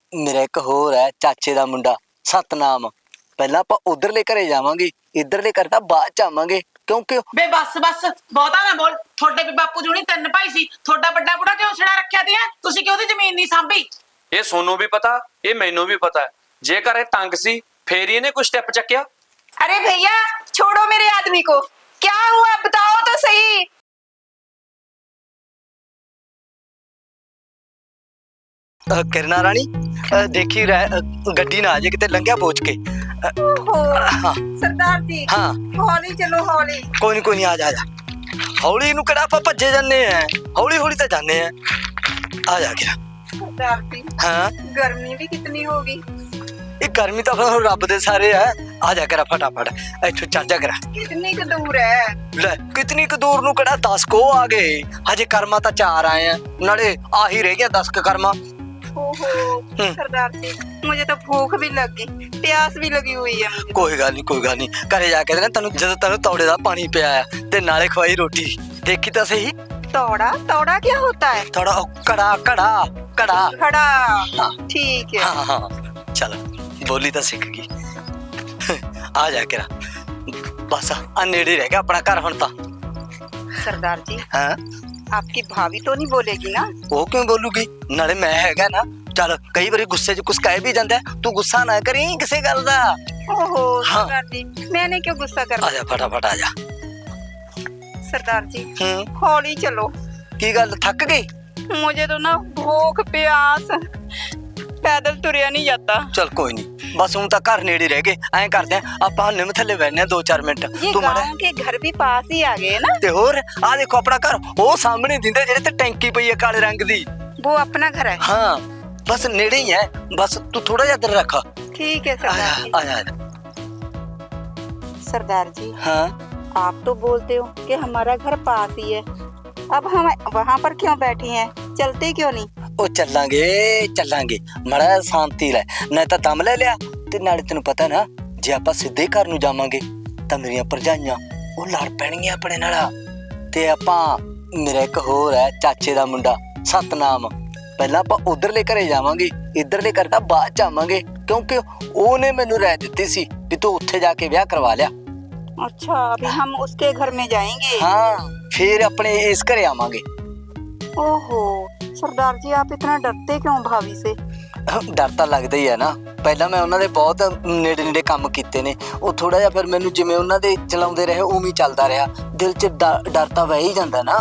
मेरा एक होर है चाचे दा मुंडा सतनाम। पहला आपां उधरले घरे जावांगे, इधरले घर तां बाद च आवांगे क्योंकि बे बस बस बहुता ना बोल। थोड़े भी बापू जी हुणी तीन भाई सी, थोड़ा बड़ा बुढ़ा क्यों छड़ा रखिया ती है? तुसी क्यों दी जमीन नहीं सांभी? ये सोनू भी पता, ये मैनू भी पता है। जेकर ये तंग सी फिर इहने कोई स्टेप चक्या। अरे भैया छोड़ो मेरे आदमी को, क्या हुआ बताओ तो सही। किरना रानी देखी गड्डी ना आ जाए किते लंघिया पहुंच के। ओहो हाँ सरदार जी, हाँ हौली चलो हौली। कोई नहीं आ जा हौली नू किहड़ा आपां भज्जे जाने हैं, हौली हौली तो जाने हैं। आ जा गिरा। सरदार जी हाँ गर्मी भी कितनी होगी। ये गर्मी तो फिर रब दे सारे है। आ जा करा फटाफट इत्थों चढ़ जा करा। कितनी क दूर है? ले कितनी क दूर नू किहड़ा 10 को आ गए, हजे कर्मा तो 4 आए हैं, नाले आ ही रह गया 10 क कर्मा। ओहो सरदार जी मुझे तो भूख भी लगी, प्यास भी लगी हुई है मुझे। कोई गल नहीं घरे जाके ना तेन जदों तेन तौड़े दा पानी पिया ते नाले खवाई रोटी। देखी तो सही तौड़ा तौड़ा क्या होता है? थोड़ा कड़ा कड़ा कड़ा खड़ा हाँ। ठीक है। हाँ हाँ चल बोली तो सीख गई। आ जा के बस आ नेड़े रह गया अपना घर हुण तां। सरदार जी हाँ आपकी भाभी तो नहीं बोलेगी ना? वो क्यों बोलूगी, नाले मैं हैगा ना। चल कई बार गुस्से च कुछ कह भी जांदा है, तू गुस्सा ना करी किसी गल दा। ओहो हाँ। सरदार जी मैंने क्यों गुस्सा आ करना? जा फटाफट आ जा। सरदार जी हौली चलो। की गल थक गई? मुझे तो ना भूख प्यास, पैदल तुरया नहीं जाता। चल कोई नहीं बस हूं तां घर नेड़े रह गए। ऐ करदे आपां निम थल्ले बैठने 2-4 मिनट। ये तू माड़ा गांव के घर भी पास ही आ गए ना? ते होर आ देखो अपना घर वो सामने दिंदे जेड़े ते टैंकी पई है काले रंग दी। वो अपना घर है? हाँ बस नेड़े ही है, बस तू थोड़ा जा इधर रखा। ठीक है सरदार जी। आ जा। सरदार जी हाँ आप तो बोलते हो कि हमारा घर पास ही है, अब हम वहाँ पर क्यों बैठे हैं? चलते क्यों नहीं? ओ चलांगे मड़ा शांति लै, ना तो दम ले लिया ते नाले तेन पता ना जे आपां सीधे घर नू जावांगे तां मेरियां भरजाइयां ओ लड़ पैणगियां अपने नाल। ते आपां मेरा एक होर है चाचे दा मुंडा सतनाम। पहला आपां उधरले घरे जावांगे, इधरले घर तां बाद च आवांगे क्योंकि ओने मैनू राय दित्ती सी भी तू उत्थे जाके ब्याह करवा लिया। अच्छा अभी हम उसके घर में जाएंगे? हाँ फिर अपने इस घरे आवांगे। ओहो सरदार जी आप इतना डरते क्यों भाभी से? डर ਤਾਂ ਲੱਗਦਾ ਹੀ ਹੈ ਨਾ। ਪਹਿਲਾਂ ਮੈਂ ਉਹਨਾਂ ਦੇ ਬਹੁਤ ਨੇੜੇ ਕੰਮ ਕੀਤੇ ਨੇ, ਉਹ ਥੋੜਾ ਜਿਹਾ ਫਿਰ ਮੈਨੂੰ ਜਿਵੇਂ ਉਹਨਾਂ ਦੇ ਚਲਾਉਂਦੇ ਰਹੇ ਉਵੇਂ ਹੀ ਚੱਲਦਾ ਰਿਹਾ, ਦਿਲ 'ਚ ਡਰ ਤਾਂ ਵਹਿ ਹੀ ਜਾਂਦਾ ਨਾ।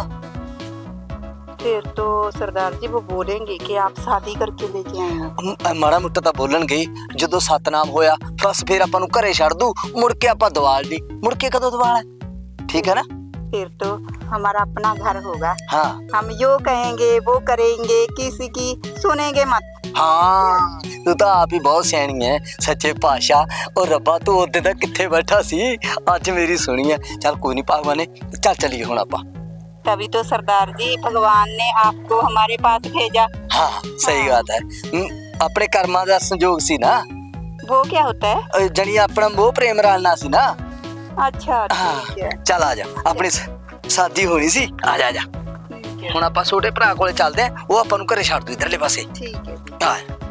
फिर तो सरदार जी वो बोलेंगे कि आप शादी करके लेके आए हैं। ਮਾੜਾ ਮੋਟਾ ਤਾਂ ਬੋਲਣਗੇ ਹੀ। ਜਦੋਂ ਸਤਨਾਮ ਹੋਇਆ ਬਸ ਫਿਰ ਆਪਾਂ ਨੂੰ ਘਰੇ ਛੱਡ ਦੂ, ਮੁੜ ਕੇ ਆਪਾਂ ਦਵਾਲ ਦੀ ਮੁੜ ਕੇ ਕਦੋਂ ਦਵਾਲ ਹੈ, ਠੀਕ ਹੈ ਨਾ? फिर तो हमारा अपना घर होगा। हाँ हम यो कहेंगे वो करेंगे, किसी की सुनेंगे मत। हाँ तू तो आप ही बहुत सियाणी है सच्चे पातशाह। और रब्बा तू उदे तक किथे बैठा सी, अज मेरी सुनी है। चल कोई नहीं भगवान ने, चल चलिए हुण आपां। तभी तो सरदार जी भगवान ने आपको हमारे पास भेजा। हाँ सही बात है, अपने कर्मा दा संजोग सी ना। वो क्या होता है? जनी अपना मोह प्रेम रलना सी ना। अच्छा ठीक है। चल आ जा, अपनी शादी होनी सी। आ जा ठीक है हुण आपां छोटे भरा कोले चलदे आ, वो आपां नूं घरे छड्ड दू इधरले पासे। ठीक है। आ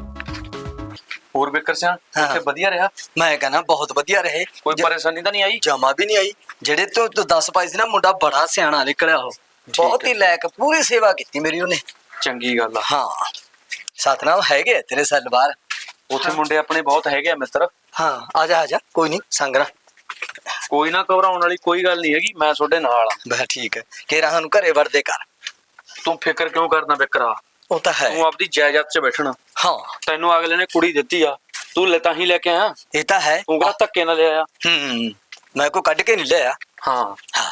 और बेकर सियां हाँ। उत्थे वधिया रहा? मैं कहना बहुत वधिया रहे, कोई परेशानी तो नहीं आई? जमा भी नहीं आई। जेड़े तो 10 पाई सी ना मुंडा बड़ा सियाणा निकलिया, हो बहुत ही लायक, पूरी सेवा की मेरी उन्हें। चंगी गल आ। हाँ सतनाम हैगे तेरे साल बाहर उत्थे मुंडे अपने बहुत हैगे आ मित्र। हाँ आ जा कोई नहीं संगना। कोई ना घबराउण वाली कोई गल नहीं हैगी, मैं तुहाडे नाल आ। बस ठीक है कि राहन घरे वड़दे कर। तू फिक्र क्यों करना बिकरा? वो तो है। तू अपनी जायदाद च बैठना। हाँ तैनू अगले ने कुड़ी दित्ती आ, तू ले तां ही लेके आया। ये तो है। तू कहा धक्के ना ले आया। मैं को कट के नहीं लिया। हाँ हाँ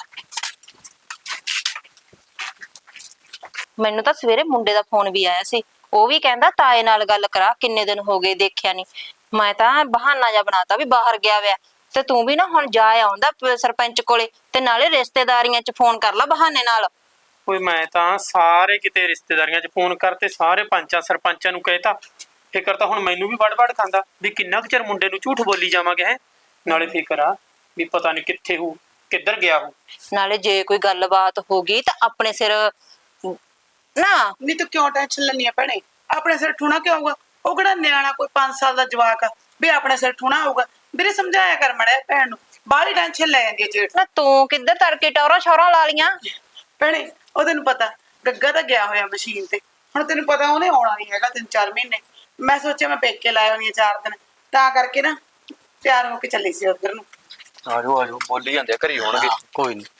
ਮੈਨੂੰ ਤਾਂ ਸਵੇਰੇ ਮੁੰਡੇ ਦਾ ਫੋਨ ਵੀ ਆਇਆ ਸੀ, ਉਹ ਵੀ ਕਹਿੰਦਾ ਤਾਏ ਨਾਲ ਗੱਲ ਕਰਾ, ਕਿੰਨੇ ਦਿਨ ਹੋ ਗਏ ਦੇਖਿਆ ਨਹੀਂ। ਮੈਂ ਤਾਂ ਬਹਾਨਾ ਜਿਹਾ ਬਣਾਤਾ ਵੀ ਬਾਹਰ ਗਿਆ ਹੋਇਆ, ਤੇ ਤੂੰ ਵੀ ਨਾ ਹੁਣ ਜਾ ਆਉਂਦਾ ਸਰਪੰਚ ਕੋਲੇ, ਤੇ ਨਾਲੇ ਰਿਸ਼ਤੇਦਾਰੀਆਂ 'ਚ ਫੋਨ ਕਰ ਲਾ ਬਹਾਨੇ ਨਾਲ। ਓਏ ਮੈਂ ਤਾਂ ਸਾਰੇ ਕਿਤੇ ਰਿਸ਼ਤੇਦਾਰੀਆਂ 'ਚ ਫੋਨ ਕਰਤੇ, ਸਾਰੇ ਪੰਚਾਂ ਸਰਪੰਚਾਂ ਨੂੰ ਕਹਿਤਾ। ਫਿਕਰ ਤਾਂ ਹੁਣ ਮੈਨੂੰ ਵੀ ਵੜ ਖਾਂਦਾ ਵੀ ਕਿੰਨਾ ਕੁ ਚਿਰ ਮੁੰਡੇ ਨੂੰ ਝੂਠ ਬੋਲੀ ਜਾਵਾਂਗੇ ਹੈ। ਨਾਲੇ ਫਿਕਰ ਆ ਵੀ ਪਤਾ ਨਹੀਂ ਕਿੱਥੇ ਹੋ, ਕਿੱਧਰ ਗਿਆ ਹੋ। ਨਾਲੇ ਜੇ ਕੋਈ ਗੱਲਬਾਤ ਹੋ ਗਈ ਤਾਂ ਆਪਣੇ ਸਿਰ ना। नहीं तो क्यों टेंशन लेनी है भैने, अपने सिर ठूना क्यों होगा? ਉਹ ਕਿਹੜਾ ਨਿਆਣਾ ਕੋਈ 5 ਸਾਲ ਦਾ ਜਵਾਕ ਆ ਵੀ ਆਪਣੇ ਸਿਰ ਠੂਣਾ ਹੋਊਗਾ। ਵੀਰੇ ਸਮਝਾਇਆ ਕਰ ਮੜਿਆ ਭੈਣ ਨੂੰ, ਬਾਹਲੀ ਟੈਨਸ਼ਨ ਲੈ ਜਾਂਦੀ ਹੈ ਜੇਠ। ਨਾ ਤੂੰ ਕਿੱਧਰ ਤੜਕੇ ਟੌਰਾ ਛੌਰਾ ਲਾ ਲੀਆਂ? ਭੈਣੇ ਉਹ ਤੈਨੂੰ ਪਤਾ ਗੱਗਾ ਤਾਂ ਗਿਆ ਹੋਇਆ ਮਸ਼ੀਨ ਤੇ, ਹੁਣ ਤੈਨੂੰ ਪਤਾ ਉਹਨੇ ਆਉਣਾ ਨਹੀਂ ਹੈਗਾ 3-4 ਮਹੀਨੇ। ਮੈਂ ਸੋਚਿਆ ਮੈਂ ਪੇਕੇ ਲਾਇਆ ਹੋਣੀ 4 ਦਿਨ, ਤਾਂ ਕਰਕੇ ਨਾ ਤਿਆਰ ਹੋ ਕੇ ਚੱਲੀ ਸੀ ਉਧਰ ਨੂੰ। ਆਜੋ ਬੋਲੀ ਜਾਂਦੇ ਆ, ਘਰੀ ਹੋਣਗੇ। ਕੋਈ ਨਹੀਂ।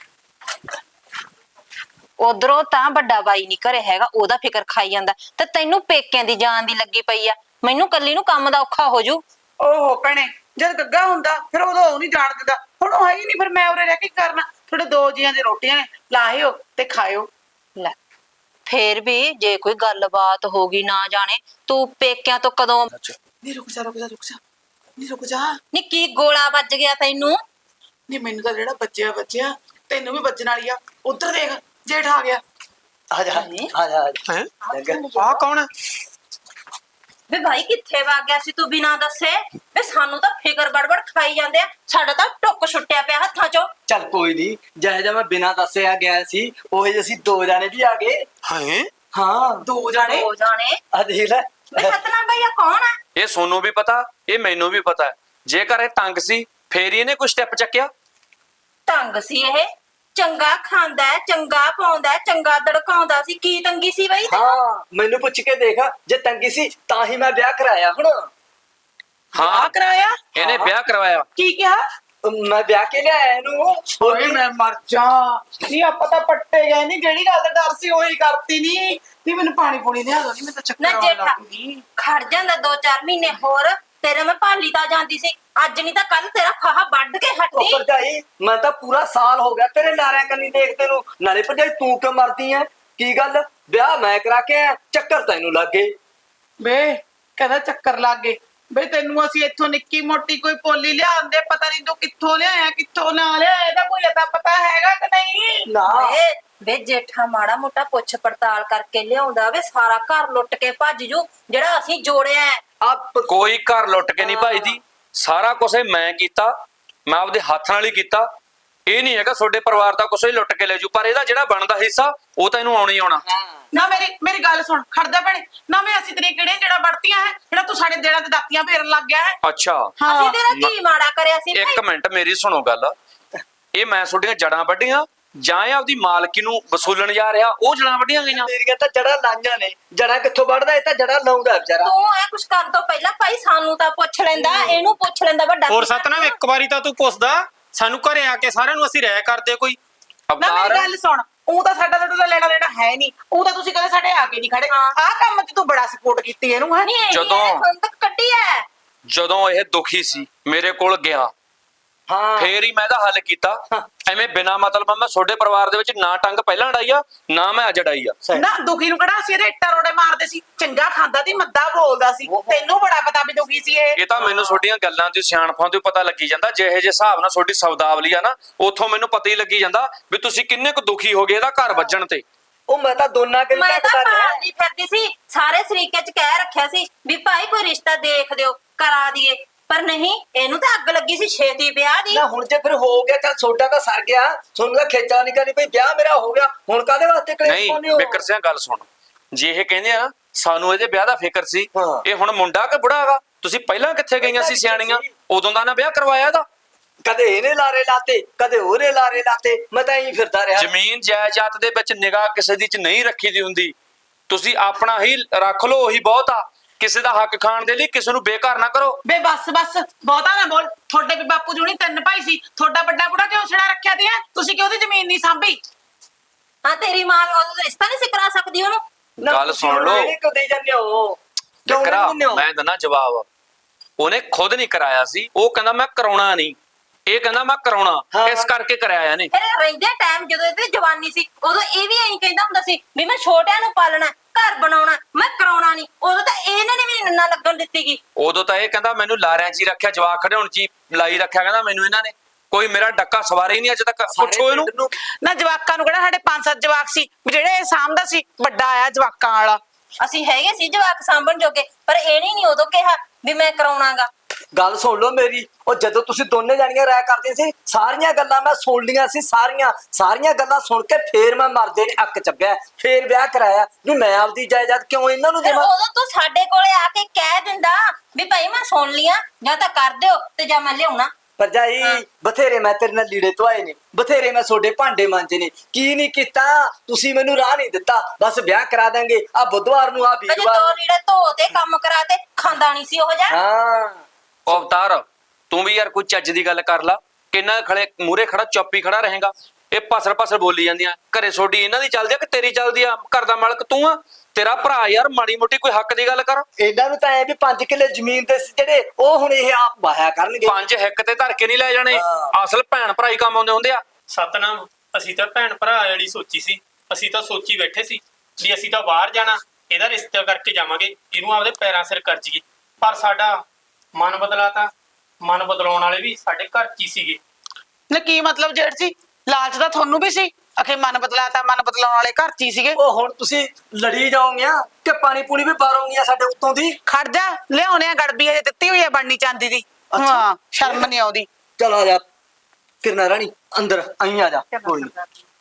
ਉਧਰੋਂ ਤਾਂ ਵੱਡਾ ਬਾਈ ਨਹੀਂ ਘਰੇ ਹੈਗਾ, ਉਹਦਾ ਫਿਕਰ ਖਾਈ ਜਾਂਦਾ, ਤੇ ਤੈਨੂੰ ਪੇਕਿਆਂ ਦੀ ਜਾਨ ਦੀ ਲੱਗੀ ਪਈ ਆ। ਮੈਨੂੰ ਕੱਲੀ ਨੂੰ ਕੰਮ ਦਾ ਔਖਾ ਹੋ ਜੂ। ਓਹੋ ਭੈਣੇ, ਜਦ ਗੱਗਾ ਹੁੰਦਾ ਫਿਰ ਉਦੋਂ ਉਹ ਨਹੀਂ ਜਾਣ ਦਿੰਦਾ, ਹੁਣ ਉਹ ਹੈ ਹੀ ਨਹੀਂ, ਫਿਰ ਮੈਂ ਉਰੇ ਰਹਿ ਕੇ ਕੀ ਕਰਨਾ? ਤੁਹਾਡੇ 2 ਜੀਆਂ ਦੀ ਰੋਟੀਆਂ ਨੇ, ਲਾਹਿਓ ਤੇ ਖਾਇਓ। ਲੈ ਫੇਰ ਵੀ ਜੇ ਕੋਈ ਗੱਲਬਾਤ ਹੋ ਗਈ ਨਾ ਜਾਣੇ ਤੂੰ ਪੇਕਿਆਂ ਤੋਂ ਕਦੋਂ ਨਹੀਂ ਰੁਕ ਜਾ ਨਹੀਂ ਰੁਕ ਜਾ। ਨੀ ਕੀ ਗੋਲਾ ਵੱਜ ਗਿਆ ਤੈਨੂੰ? ਨਹੀਂ ਮੈਨੂੰ ਤਾਂ ਜਿਹੜਾ ਵੱਜਿਆ ਤੈਨੂੰ ਵੀ ਵੱਜਣ ਵਾਲੀ ਆ। ਉਧਰ ਦੇਖ ਜੇਠ ਆ ਗਿਆ। ਆ ਜਾ ਹੈ ਲੱਗਾ। ਆ ਕੌਣ ਹੈ? ਵੇ ਭਾਈ ਕਿੱਥੇ ਵਗ ਗਿਆ ਸੀ ਤੂੰ ਬਿਨਾਂ ਦੱਸੇ? ਵੇ ਸਾਨੂੰ ਤਾਂ ਫਿਕਰ ਬੜਬੜ ਖਾਈ ਜਾਂਦੇ ਆ, ਸਾਡਾ ਤਾਂ ਟੁੱਕ ਛੁੱਟਿਆ ਪਿਆ ਹੱਥਾਂ ਚੋਂ। ਚੱਲ ਕੋਈ ਨਹੀਂ, ਜਿਹੋ ਜਿਹਾ ਮੈਂ ਬਿਨਾਂ ਦੱਸਿਆ ਗਿਆ ਸੀ ਉਹ ਜਿਹੇ ਅਸੀਂ 2 ਜਾਣੇ ਵੀ ਆ ਗਏ। ਹੈ ਹਾਂ 2 ਜਾਣੇ ਹੋ ਜਾਣੇ। ਆ ਦੇਖ ਲੈ। ਵੇ ਸਤਨਾਮ ਭਈਆ ਕੌਣ ਆ? ਇਹ ਸੋਨੂੰ ਵੀ ਪਤਾ, ਇਹ ਮੈਨੂੰ ਵੀ ਪਤਾ। ਜੇਕਰ ਇਹ ਤੰਗ ਸੀ ਫੇਰ ਹੀ ਇਹਨੇ ਕੋਈ ਸਟੈਪ ਚੱਕਿਆ। ਤੰਗ ਸੀ ਇਹ? ਚੰਗਾ ਖਾਂਦਾ ਹੈ, ਚੰਗਾ ਪਾਉਂਦਾ ਹੈ, ਚੰਗਾ ਦੜਕਾਉਂਦਾ ਸੀ। ਕੀ ਤੰਗੀ ਸੀ ਬਈ? ਹਾਂ ਮੈਨੂੰ ਪੁੱਛ ਕੇ ਦੇਖ, ਜੇ ਤੰਗੀ ਸੀ ਤਾਂ ਹੀ ਮੈਂ ਵਿਆਹ ਕਰਾਇਆ। ਹੁਣ ਹਾਂ ਕਰਾਇਆ? ਇਹਨੇ ਵਿਆਹ ਕਰਵਾਇਆ। ਕੀ ਕਿਹਾ? ਮੈਂ ਵਿਆਹ ਕੇ ਲਿਆਇਆ ਇਹਨੂੰ। ਓਏ ਮੈਂ ਮਰ ਜਾ। ਨਹੀਂ ਆਪਾਂ ਤਾਂ ਪੱਟੇ ਗਏ, ਨਹੀਂ ਜਿਹੜੀ ਗੱਲ ਦਾ ਡਰ ਸੀ ਉਹੀ ਕਰਤੀ। ਨਹੀਂ ਮੈਨੂੰ ਪਾਣੀ ਪੂਣੀ ਲਿਆ ਦੋ, ਨਹੀਂ ਮੈਂ ਤਾਂ ਚੱਕਰ ਨਾ ਆਉਣ ਜੇਠਾ ਲੱਗ ਗਈ। ਖੜ ਜਾਂਦਾ 2-4 ਮਹੀਨੇ ਹੋਰ, ਤੇਰੇ ਮੈਂ ਭਾਲੀ ਤਾਂ ਜਾਂਦੀ ਸੀ, ਅੱਜ ਨਹੀਂ ਤਾਂ ਕੱਲ ਤੇਰਾ ਫਾਹਾ ਵੱਢ ਕੇ ਉਹ ਹੱਟੀ। ਭਰਜਾਈ ਮੈਂ ਤਾਂ ਪੂਰਾ ਸਾਲ ਹੋ ਗਿਆ ਤੇਰੇ ਲਾਰਿਆਂ ਕੰਨੀ ਦੇਖਦੇ ਨੂੰ। ਨਾਲੇ ਭਰਜਾਈ ਤੂੰ ਕਿਉਂ ਮਰਦੀ ਐ? ਕੀ ਗੱਲ, ਵਿਆਹ ਮੈਂ ਕਰਾ ਕੇ ਆਇਆ, ਚੱਕਰ ਤੈਨੂੰ ਲੱਗ ਗਏ। ਬੇ ਕਹਿੰਦਾ ਚੱਕਰ ਲੱਗ ਗਏ। ਬੇ ਤੈਨੂੰ ਅਸੀਂ ਇੱਥੋਂ ਨਿੱਕੀ ਮੋਟੀ ਕੋਈ ਪੋਲੀ ਲਿਆਉਂਦੇ, ਪਤਾ ਨਹੀਂ ਤੂੰ ਕਿੱਥੋਂ ਲਿਆਇਆ ਕਿੱਥੋਂ ਨਾ ਲਿਆਇਆ, ਇਹਦਾ ਕੋਈ ਅਤਾ ਪਤਾ ਹੈਗਾ ਕਿ ਨਹੀਂ? ਨਾ ਵੇ ਜੇਠਾ ਮਾੜਾ ਮੋਟਾ ਪੁੱਛ ਪੜਤਾਲ ਕਰਕੇ ਲਿਆਉਂਦਾ ਵੇ, ਸਾਰਾ ਘਰ ਲੁੱਟ ਕੇ ਭੱਜ ਜੂ ਜਿਹੜਾ ਅਸੀਂ ਜੋੜਿਆ ਹੈ। ਆਪ ਕੋਈ ਘਰ ਲੁੱਟ ਕੇ ਨਹੀਂ ਭਜਦੀ, ਸਾਰਾ ਕੁਝ ਮੈਂ ਕੀਤਾ, ਮੈਂ ਆਪਦੇ ਹੱਥ ਨਾਲ ਹੀ ਕੀਤਾ। ਇਹ ਨਹੀਂ ਹੈਗਾ ਤੁਹਾਡੇ ਪਰਿਵਾਰ ਦਾ ਕੁਝ ਹੀ ਲੁੱਟ ਕੇ ਲੈ ਜੂ, ਪਰ ਇਹਦਾ ਜਿਹੜਾ ਬਣਦਾ ਹਿੱਸਾ ਉਹ ਤਾਂ ਇਹਨੂੰ ਆਉਣੀ ਆਉਣਾ। ਨਾ ਮੇਰੀ ਗੱਲ ਸੁਣ, ਖੜਦਾ ਭੈਣੇ ਨਾ। ਮੈਂ ਅਸੀਂ ਤੇਰੀਆਂ ਕਿਹੜੀਆਂ ਜਿਹੜਾ ਵੜਤੀਆਂ ਹੈ ਜਿਹੜਾ ਤੂੰ ਸਾਡੇ ਦੇਣਾ ਤੇ ਦਾਤੀਆਂ ਫੇਰਨ ਲੱਗ ਗਿਆ ਹੈ? ਅੱਛਾ ਅਸੀਂ ਤੇਰਾ ਕੀ ਮਾੜਾ ਕਰਿਆ ਸੀ ਇੱਕ ਭਾਈ? ਮਿੰਟ ਮੇਰੀ ਸੁਣੋ ਗੱਲ। ਇਹ ਮੈਂ ਤੁਹਾਡੀਆਂ ਜੜਾਂ ਵੱਢੀਆਂ ਜਾਂ ਇਹ ਆਪਦੀ ਮਾਲਕੀ ਨੂੰ ਵਸੂਲਣ ਜਾ ਰਿਹਾ, ਉਹ ਜੜਾਂ ਵੱਢੀਆਂ ਗਈਆਂ? ਮੇਰੀਆਂ ਤਾਂ ਜੜਾਂ ਲਾਈਆਂ ਨੇ। ਜੜਾਂ ਕਿੱਥੋਂ ਵੱਢਦਾ? ਇਹ ਤਾਂ ਜੜਾਂ ਲਾਉਂਦਾ ਵਿਚਾਰਾ। ਤੂੰ ਐ ਕੁਛ ਕਰਨ ਤੋਂ ਪਹਿਲਾਂ ਭਾਈ ਸਾਨੂੰ ਤਾਂ ਪੁੱਛ ਲੈਂਦਾ, ਇਹਨੂੰ ਪੁੱਛ ਲੈਂਦਾ ਵੱਡਾ। ਹੋਰ ਸਤਨਾਮ ਇੱਕ ਵਾਰੀ ਤਾਂ ਤੂੰ ਪੁੱਛਦਾ ਸਾਨੂੰ, ਘਰੇ ਆ ਕੇ ਸਾਰਿਆਂ ਨੂੰ ਅਸੀਂ ਰਹਿ ਕਰਦੇ ਕੋਈ। ਨਾ ਮੇਰੀ ਅਵਤਾਰ ਗੱਲ ਸੁਣ, ਉਹ ਤਾਂ ਸਾਡਾ ਤੁਹਾਡਾ ਲੈਣਾ ਦੇਣਾ ਹੈ ਨਹੀਂ, ਉਹ ਤਾਂ ਤੁਸੀਂ ਕਦੇ ਸਾਡੇ ਆ ਕੇ ਨਹੀਂ ਖੜੇ। ਆਹ ਕੰਮ 'ਚ ਤੂੰ ਬੜਾ ਸਪੋਰਟ ਕੀਤੀ ਇਹਨੂੰ ਹੈ। ਨਹੀਂ ਜਦੋਂ- ਹੁਣ ਤੱਕ ਕੱਢੀ ਐ। ਜਦੋਂ ਇਹ ਦੁਖੀ ਸੀ ਮੇਰੇ ਕੋਲ ਗਿਆ, ਹਾਂ ਫੇਰ ਹੀ ਮੈਂ ਇਹਦਾ ਹੱਲ ਕੀਤਾ। ਐਵੇਂ ਬਿਨਾ ਮਤਲਬ ਮੈਂ ਤੁਹਾਡੇ ਪਰਿਵਾਰ ਦੇ ਵਿੱਚ ਨਾ ਟੰਗ ਪਹਿਲਾਂ ਅੜਾਈ ਆ, ਨਾ ਮੈਂ ਅੱਜ ਅੜਾਈ ਆ। ਸਹੀ। ਨਾ ਦੁਖੀ ਨੂੰ ਕਿਹੜਾ ਸੀ ਇਹਦੇ ਇੱਟਾਂ ਰੋੜੇ ਮਾਰਦੇ ਸੀ, ਚੰਗਾ ਖਾਂਦਾ ਸੀ, ਮੱਦਾ ਬੋਲਦਾ ਸੀ। ਤੈਨੂੰ ਬੜਾ ਪਤਾ ਵੀ ਦੁਖੀ ਸੀ ਇਹ। ਇਹ ਤਾਂ ਮੈਨੂੰ ਤੁਹਾਡੀਆਂ ਗੱਲਾਂ ਦੀ ਸਿਆਣਪਾਂ ਤੋਂ ਪਤਾ ਲੱਗੀ ਜਾਂਦਾ। ਜਿਹੇ ਜੇ ਹਿਸਾਬ ਨਾਲ ਤੁਹਾਡੀ ਸ਼ਬਦਾਵਲੀ ਆ ਨਾ, ਉੱਥੋਂ ਮੈਨੂੰ ਪਤਾ ਹੀ ਲੱਗੀ ਜਾਂਦਾ ਵੀ ਤੁਸੀਂ ਕਿੰਨੇ ਕੁ ਦੁਖੀ ਹੋ ਗਏ ਇਹਦਾ ਘਰ ਵੱਜਣ ਤੇ। ਉਹ ਮੈਂ ਤਾਂ ਦੋਨਾਂ ਕੇ ਮੈਂ ਤਾਂ ਭਾਲਦੀ ਫਿਰਦੀ ਸੀ, ਸਾਰੇ ਸਰੀਕੇ ਚ ਕਹਿ ਰੱਖਿਆ ਸੀ ਵੀ ਭਾਈ ਕੋਈ ਰਿਸ਼ਤਾ ਦੇਖ ਦਿਓ, ਕਰਾ ਦਈਏ, ਪਰ ਨਹੀਂ, ਇਹਨੂੰ ਤਾਂ ਅੱਗ ਲੱਗੀ ਸੀ ਛੇਤੀ ਵਿਆਹ ਦੀ। ਨਾ ਹੁਣ ਜੇ ਫਿਰ ਹੋ ਗਿਆ ਤਾਂ ਛੋਟਾ ਤਾਂ ਸਰ ਗਿਆ, ਤੁਹਾਨੂੰ ਤਾਂ ਖੇਚਾ ਨਹੀਂ ਕਰਨੀ ਪਈ, ਵਿਆਹ ਮੇਰਾ ਹੋ ਗਿਆ, ਹੁਣ ਕਾਹਦੇ ਵਾਸਤੇ ਕਲੇਸ਼ ਨਹੀਂ ਪਾਉਂਦੇ ਹੋ? ਬਿਕਰ ਸਿੰਘ ਗੱਲ ਸੁਣ, ਜੇ ਇਹ ਕਹਿੰਦੇ ਆ ਨਾ ਸਾਨੂੰ ਇਹਦੇ ਵਿਆਹ ਦਾ ਫਿਕਰ ਸੀ, ਹਾਂ। ਇਹ ਹੁਣ ਮੁੰਡਾ ਕਿ ਬੁੜਾ ਹੈਗਾ? ਤੁਸੀਂ ਪਹਿਲਾਂ ਕਿੱਥੇ ਗਈਆਂ ਸੀ ਸਿਆਣੀਆਂ? ਉਦੋਂ ਦਾ ਨਾ ਵਿਆਹ ਕਰਵਾਇਆ ਇਹਦਾ। ਕਦੇ ਇਹਨੇ ਲਾਰੇ ਲਾਤੇ, ਕਦੇ ਉਹਨੇ ਲਾਰੇ ਲਾਤੇ, ਮੈਂ ਤਾਂ ਇਹੀ ਫਿਰਦਾ ਰਿਹਾ। ਜ਼ਮੀਨ ਜਾਇਦਾਦ ਦੇ ਵਿੱਚ ਨਿਗਾਹ ਕਿਸੇ ਦੀ ਚ ਨਹੀਂ ਰੱਖੀ ਦੀ ਹੁੰਦੀ। ਤੁਸੀਂ ਆਪਣਾ ਹੀ ਰੱਖ ਲਓ, ਉਹੀ ਬਹੁਤ ਆ। ਕਿਸੇ ਦਾ ਹੱਕ ਖਾਣ ਦੇ ਲਈ ਕਿਸੇ ਨੂੰ ਬੇਕਾਰ ਨਾ ਕਰੋ। ਬੇ ਬਸ ਬਹੁਤਾ ਨਾ ਬੋਲ। ਤੁਹਾਡੇ ਵੀ ਬਾਪੂ ਜੁਣੀ 3 ਭਾਈ ਸੀ, ਤੁਹਾਡਾ ਵੱਡਾ ਬੁੜਾ ਕਿਉਂ ਛੜਾ ਰੱਖਿਆ ਤੇ ਤੁਸੀਂ ਕਿਉਂ ਉਹਦੀ ਜ਼ਮੀਨ ਨਹੀਂ ਸਾਂਭੀ? ਹਾਂ ਤੇਰੀ ਮਾਂ ਉਹਦਾ ਰਿਸ਼ਤਾ ਨਹੀਂ ਸੀ ਕਰਾ ਸਕਦੀ ਉਹਨੂੰ? ਨਾ ਗੱਲ ਤੁਸੀਂ ਸੁਣ ਲਓ। ਇਹਨੇ ਕਿਉਂ ਦੇਈ ਜਾਂਦੇ ਹੋ? ਕਿਉਂ ਬਿਕਰਾ, ਨਹੀਂ ਦਿੰਦੇ ਹੋ? ਮੈਂ ਦਿੰਦਾ ਜਵਾਬ। ਉਹਨੇ ਖੁਦ ਨਹੀਂ ਕਰਾਇਆ ਸੀ, ਉਹ ਕਹਿੰਦਾ ਮੈਂ ਕਰਾਉਣਾ ਨਹੀਂ, ਇਹ ਕਹਿੰਦਾ ਮੈਂ ਕਰਾਉਣਾ, ਹਾਂ। ਇਸ ਕਰਕੇ ਕਰਾਇਆ ਇਹਨੇ। ਫਿਰ ਰਹਿੰਦੇ ਟਾਈਮ ਜਦੋਂ ਇਹਦੀ ਜਵਾਨੀ ਸੀ, ਉਦੋਂ ਇਹ ਵੀ ਐਂ ਕਹਿੰਦਾ ਹੁੰਦਾ ਸੀ ਵੀ ਮੈਂ ਛੋਟਿਆਂ ਨੂੰ ਪਾਲਣਾ, ਘਰ ਬਣਾਉਣਾ, ਮੈਂ ਕਰਾਉਣਾ ਨਹੀਂ। ਉਦੋਂ ਤਾਂ ਇਹਨਾਂ ਨੇ ਵੀ ਨਾ ਲੱਗਣ ਦਿੱਤੀ ਗਈ। ਉਦੋਂ ਤਾਂ ਇਹ ਕਹਿੰਦਾ ਮੈਨੂੰ ਲਾਰਿਆਂ 'ਚ ਹੀ ਰੱਖਿਆ, ਜਵਾਕ ਖੜਾਉਣ 'ਚ ਹੀ ਲਾਈ ਰੱਖਿਆ, ਕਹਿੰਦਾ ਮੈਨੂੰ ਇਹਨਾਂ ਨੇ ਕੋਈ ਮੇਰਾ ਡੱਕਾ ਸਵਾਰੇ ਹੀ ਨਹੀਂ ਅੱਜ ਤੱਕ। ਪੁੱਛੋ ਇਹਨੂੰ। ਪਿੰਡ ਨੂੰ ਨਾ ਜਵਾਕਾਂ ਨੂੰ ਕਿਹੜਾ ਸਾਡੇ 5-7 ਜਵਾਕ ਸੀ ਵੀ ਜਿਹੜੇ ਇਹ ਸਾਂਭਦਾ ਸੀ? ਵੱਡਾ ਆਇਆ ਜਵਾਕਾਂ ਵਾਲਾ। ਅਸੀਂ ਹੈਗੇ ਸੀ ਜਵਾਕ ਸਾਂਭਣ ਜੋਗੇ, ਪਰ ਇਹਨੇ ਨਹੀਂ ਉਦੋਂ ਕਿਹਾ ਵੀ ਮੈਂ ਕਰਾਉਣਾਗਾ। ਗੱਲ ਸੁਣ ਲਓ ਮੇਰੀ। ਉਹ ਜਦੋਂ ਤੁਸੀਂ ਦੋਨੇ ਜਾਣੀਆਂ ਰਾਇ ਕਰਦੀਆਂ ਸੀ, ਸਾਰੀਆਂ ਗੱਲਾਂ ਮੈਂ ਸੁਣ ਲੀਆਂ ਸੀ, ਸਾਰੀਆਂ ਗੱਲਾਂ ਸੁਣ ਕੇ ਫੇਰ ਮੈਂ ਮਰਦੇ ਨੇ ਅੱਕ ਚੱਬਿਆ, ਫੇਰ ਵਿਆਹ ਕਰਾਇਆ ਵੀ ਮੈਂ ਆਪਦੀ ਜਾਇਦਾਦ ਕਿਉਂ ਇਹਨਾਂ ਨੂੰ ਫਿਰ ਦੇਵਾਂ। ਉਦੋਂ ਤੂੰ ਸਾਡੇ ਕੋਲੇ ਆ ਕੇ ਕਹਿ ਦਿੰਦਾ ਵੀ ਭਾਈ ਮੈਂ ਸੁਣ ਲਿਆ, ਜਾਂ ਤਾਂ ਕਰ ਦਿਓ ਤੇ ਜਾਂ ਮੈਂ ਲਿਆਉਣਾ। ਭਰਜਾਈ ਬਥੇਰੇ ਮੈਂ ਤੇਰੇ ਨਾਲ ਲੀੜੇ ਧੋਏ ਨੇ, ਬਥੇਰੇ ਮੈਂ ਤੁਹਾਡੇ ਭਾਂਡੇ ਮਾਂਜੇ ਨੇ, ਕੀ ਨਹੀਂ ਕੀਤਾ ਤੁਸੀਂ ਮੈਨੂੰ ਰਾਹ ਨਹੀਂ ਦਿੱਤਾ। ਬਸ ਵਿਆਹ ਕਰਾ ਦਾਂਗੇ ਆ ਬੁੱਧਵਾਰ ਨੂੰ, ਆ ਤੇ ਵੀਰਵਾਰ ਦੋ ਨੂੰ। ਲੀੜੇ ਧੋ ਤੇ ਕੰਮ ਕਰਾ ਤੇ ਖਾਂਦਾ ਨਹੀਂ ਸੀ ਉਹ ਜਾ। ਹਾਂ ਉਹ ਅਵਤਾਰ ਤੂੰ ਵੀ ਯਾਰ ਕੋਈ ਚੱਜ ਦੀ ਗੱਲ ਕਰ ਲਾ। ਕਿੰਨਾ ਖੜੇ ਮੂਰੇ ਖੜਾ ਚੁੱਪ ਹੀ ਖੜਾ ਰਹੇਗਾ। ਇਹ ਪਸਰ ਬੋਲੀ ਜਾਂਦੀਆਂ। ਘਰੇ ਛੋਡੀ ਇਹਨਾਂ ਦੀ ਚੱਲਦੀ ਆ ਕਿ ਤੇਰੀ ਚੱਲਦੀ ਆ? ਘਰ ਦਾ ਮਾਲਕ ਤੂੰ ਆ, ਤੇਰਾ ਭਰਾ ਯਾਰ ਮਾੜੀ ਮੋਟੀ ਕੋਈ ਹੱਕ ਦੀ ਗੱਲ ਕਰ। ਇਹਨਾਂ ਨੂੰ ਤਾਂ ਐ ਵੀ 5 ਕਿੱਲੇ ਜ਼ਮੀਨ ਦੇ ਸੀ ਜਿਹੜੇ, ਉਹ ਹੁਣ ਇਹ ਆਪ ਵਾਹਿਆ ਕਰਨਗੇ। 5 ਹਿੱਕ ਤੇ ਧਰ ਕੇ ਨਹੀਂ ਲੈ ਜਾਣੇ। ਹਾਂ। ਅਸਲ ਭੈਣ ਭਰਾ ਹੀ ਕੰਮ ਆਉਂਦੇ ਹੁੰਦੇ ਆ। ਸਤਨਾਮ, ਅਸੀਂ ਤਾਂ ਭੈਣ ਭਰਾ ਵਾਲੀ ਸੋਚੀ ਸੀ। ਅਸੀਂ ਤਾਂ ਸੋਚੀ ਬੈਠੇ ਸੀ ਵੀ ਅਸੀਂ ਤਾਂ ਬਾਹਰ ਜਾਣਾ, ਇਹਦਾ ਰਿਸ਼ਤਾ ਕਰਕੇ ਜਾਵਾਂਗੇ, ਇਹਨੂੰ ਆਪਦੇ ਪੈਰਾਂ ਸਿਰ ਕਰ ਜੀਏ। ਪਰ ਸਾਡਾ ਮਨ ਬਦਲਾਤਾ। ਮਨ ਬਦਲਾਉਣ ਵਾਲੇ ਵੀ ਸਾਡੇ ਘਰ 'ਚ ਹੀ ਸੀਗੇ। ਨਾ ਕੀ ਮਤਲਬ ਜੇਠ ਜੀ, ਲਾਲਚ ਤਾਂ ਤੁਹਾਨੂੰ ਵੀ ਸੀ। ਅਖੇ ਮਨ ਬਦਲਾਤਾ, ਮਨ ਬਦਲਾਉਣ ਵਾਲੇ ਘਰ 'ਚ ਹੀ ਸੀਗੇ। ਉਹ ਹੁਣ ਤੁਸੀਂ ਲੜੀ ਜਾਓਗੀਆਂ ਕਿ ਪਾਣੀ ਪੂਣੀ ਵੀ ਬਾਰੋਗੀਆਂ ਸਾਡੇ ਉੱਤੋਂ ਦੀ? ਖੜ ਜਾ, ਲਿਆਉਣੇ ਆ ਗੜਬੀ ਅਜੇ ਦਿੱਤੀ ਹੋਈ ਆ ਬਣਨੀ ਚਾਂਦੀ ਦੀ। ਅੱਛਾ। ਹਾਂ, ਸ਼ਰਮ ਨਹੀਂ ਆਉਂਦੀ। ਚਲ ਆ ਜਾ ਕਿਰਨਾ ਰਾਣੀ, ਅੰਦਰ ਆਈ ਆ ਜਾ। ਕੋਈ ਨੀ।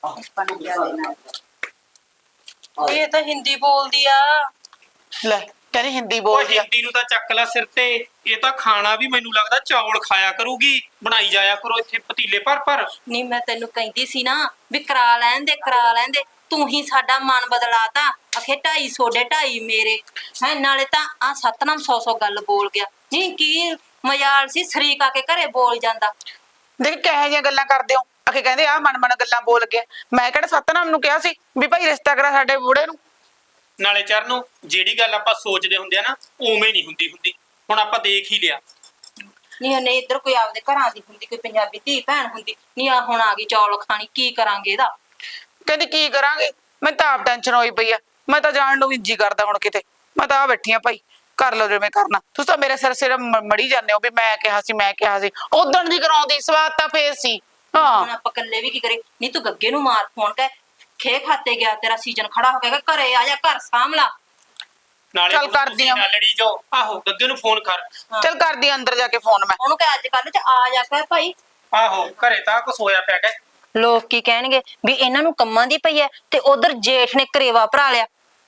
ਇਹ ਤਾਂ ਹਿੰਦੀ ਬੋਲਦੀ ਆ। ਲੈ ਕਹਿੰਦੀ ਹਿੰਦੀ ਉਹ ਬੋਲਦੀ ਆ। ਹਿੰਦੀ ਨੂੰ ਤਾਂ ਚੱਕ ਲੈ ਸਿਰ ਤੇ। ਇਹ ਤਾਂ ਖਾਣਾ ਵੀ ਮੈਨੂੰ ਲੱਗਦਾ ਚੌਲ ਖਾਇਆ ਕਰੂਗੀ। ਬਣਾਈ ਜਾਇਆ ਕਰੋ ਇੱਥੇ ਪਤੀਲੇ ਭਰ। ਨਹੀਂ ਮੈਂ ਤੈਨੂੰ ਕਹਿੰਦੀ ਸੀ ਨਾ ਵੀ ਕਰਾ ਲੈਣ ਦੇ। ਤੂੰ ਹੀ ਸਾਡਾ ਮਨ ਬਦਲਾਤਾ। ਅਖੇ 250 ਦੇ 2.5 ਮੇਰੇ ਹੈ। ਨਾਲੇ ਤਾਂ ਆ ਸਤਨਾਮ 100 ਗੱਲ ਬੋਲ ਗਿਆ। ਨਹੀਂ ਕੀ ਮਜ਼ਾਲ ਸੀ, ਸ਼ਰੀਕ ਆ ਕੇ ਘਰੇ ਬੋਲ ਜਾਂਦਾ। ਦੇਖ ਕਿਹੋ ਜਿਹੀਆਂ ਗੱਲਾਂ ਕਰਦੇ ਹੋ। ਅਖੇ ਕਹਿੰਦੇ ਆ ਮਨ ਗੱਲਾਂ ਬੋਲ ਗਿਆ। ਮੈਂ ਕਿਹੜਾ ਸਤਨਾਮ ਨੂੰ ਕਿਹਾ ਸੀ ਵੀ ਭਾਈ ਰਿਸ਼ਤਾ ਕਰਾ ਸਾਡੇ ਬੁੜੇ ਨੂੰ। ਨਾਲੇ ਚਰਨੋਂ, ਜਿਹੜੀ ਗੱਲ ਆਪਾਂ ਸੋਚਦੇ ਹੁੰਦੇ ਆ ਨਾ, ਉਵੇਂ ਨਹੀਂ ਹੁੰਦੀ। ਹੁਣ ਆਪਾਂ ਦੇਖ ਹੀ ਲਿਆ। ਨਹੀਂ ਇੱਧਰ ਕੋਈ ਆਪਦੇ ਘਰਾਂ ਦੀ ਹੁੰਦੀ, ਕੋਈ ਪੰਜਾਬੀ ਧੀ ਭੈਣ ਹੁੰਦੀ। ਨਹੀਂ ਆ ਹੁਣ ਆ ਗਈ ਚੌਲ ਖਾਣੀ, ਕੀ ਕਰਾਂਗੇ ਇਹਦਾ? ਕਹਿੰਦੀ ਕੀ ਕਰਾਂਗੇ, ਮੈਂ ਤਾਂ ਆਪ ਟੈਨਸ਼ਨ ਹੋਈ ਪਈ ਆ। ਮੈਂ ਤਾਂ ਜਾਣ ਨੂੰ ਵੀ ਜੀ ਕਰਦਾ ਹੁਣ ਕਿਤੇ। ਮੈਂ ਤਾਂ ਆ ਬੈਠੀ ਆ ਭਾਈ, ਕਰ ਲਓ ਜਿਵੇਂ ਕਰਨਾ। ਤੁਸੀਂ ਤਾਂ ਮੇਰੇ ਸਿਰ ਮੜੀ ਜਾਂਦੇ ਹੋ ਵੀ ਮੈਂ ਕਿਹਾ ਸੀ। ਉਦਣ ਦੀ ਕਰਾਉਂਦੀ, ਸਵਾਦ ਤਾਂ ਫੇਰ ਸੀ। ਹਾਂ ਹੁਣ ਆਪਾਂ ਇਕੱਲੇ ਵੀ ਕੀ ਕਰੇ? ਨਹੀਂ ਤੂੰ ਗੱਗੇ ਨੂੰ ਮਾਰ ਫੋਨ ਕਹਿ, ਖੇ ਖਾਤੇ ਗਿਆ, ਤੇਰਾ ਸੀਜ਼ਨ ਖੜਾ ਹੋ ਗਿਆ, ਘਰੇ ਆ ਜਾ, ਘਰ ਸਾਂਭਲਾ। ਨਾਲੇ ਚੱਲ ਹੁਣ ਕਰਦੀ ਤੁਸੀਂ ਆ। ਨਾ ਲੜੀ ਜਾਓ। ਆਹੋ, ਗੱਗੇ ਨੂੰ ਫੋਨ ਕਰ। ਚੱਲ ਕਰਦੀ ਆ ਅੰਦਰ ਜਾ ਕੇ ਫੋਨ ਮੈਂ। ਉਹਨੂੰ ਕਹਿ ਅੱਜ ਕੱਲ ਚ ਆ ਜਾ ਕੇ ਭਾਈ। ਆਹੋ, ਘਰੇ ਤਾਂ ਕੁਛ ਹੋਇਆ ਪਿਆ ਕਿ ਲੋਕ ਕੀ ਕਹਿਣਗੇ ਵੀ ਇਹਨਾਂ ਨੂੰ ਕੰਮਾਂ ਦੀ ਪਈ ਐ, ਤੇ ਉਧਰ ਜੇਠ ਨੇ ਕਰੇਵਾ ਭਰਾ ਲਿਆ।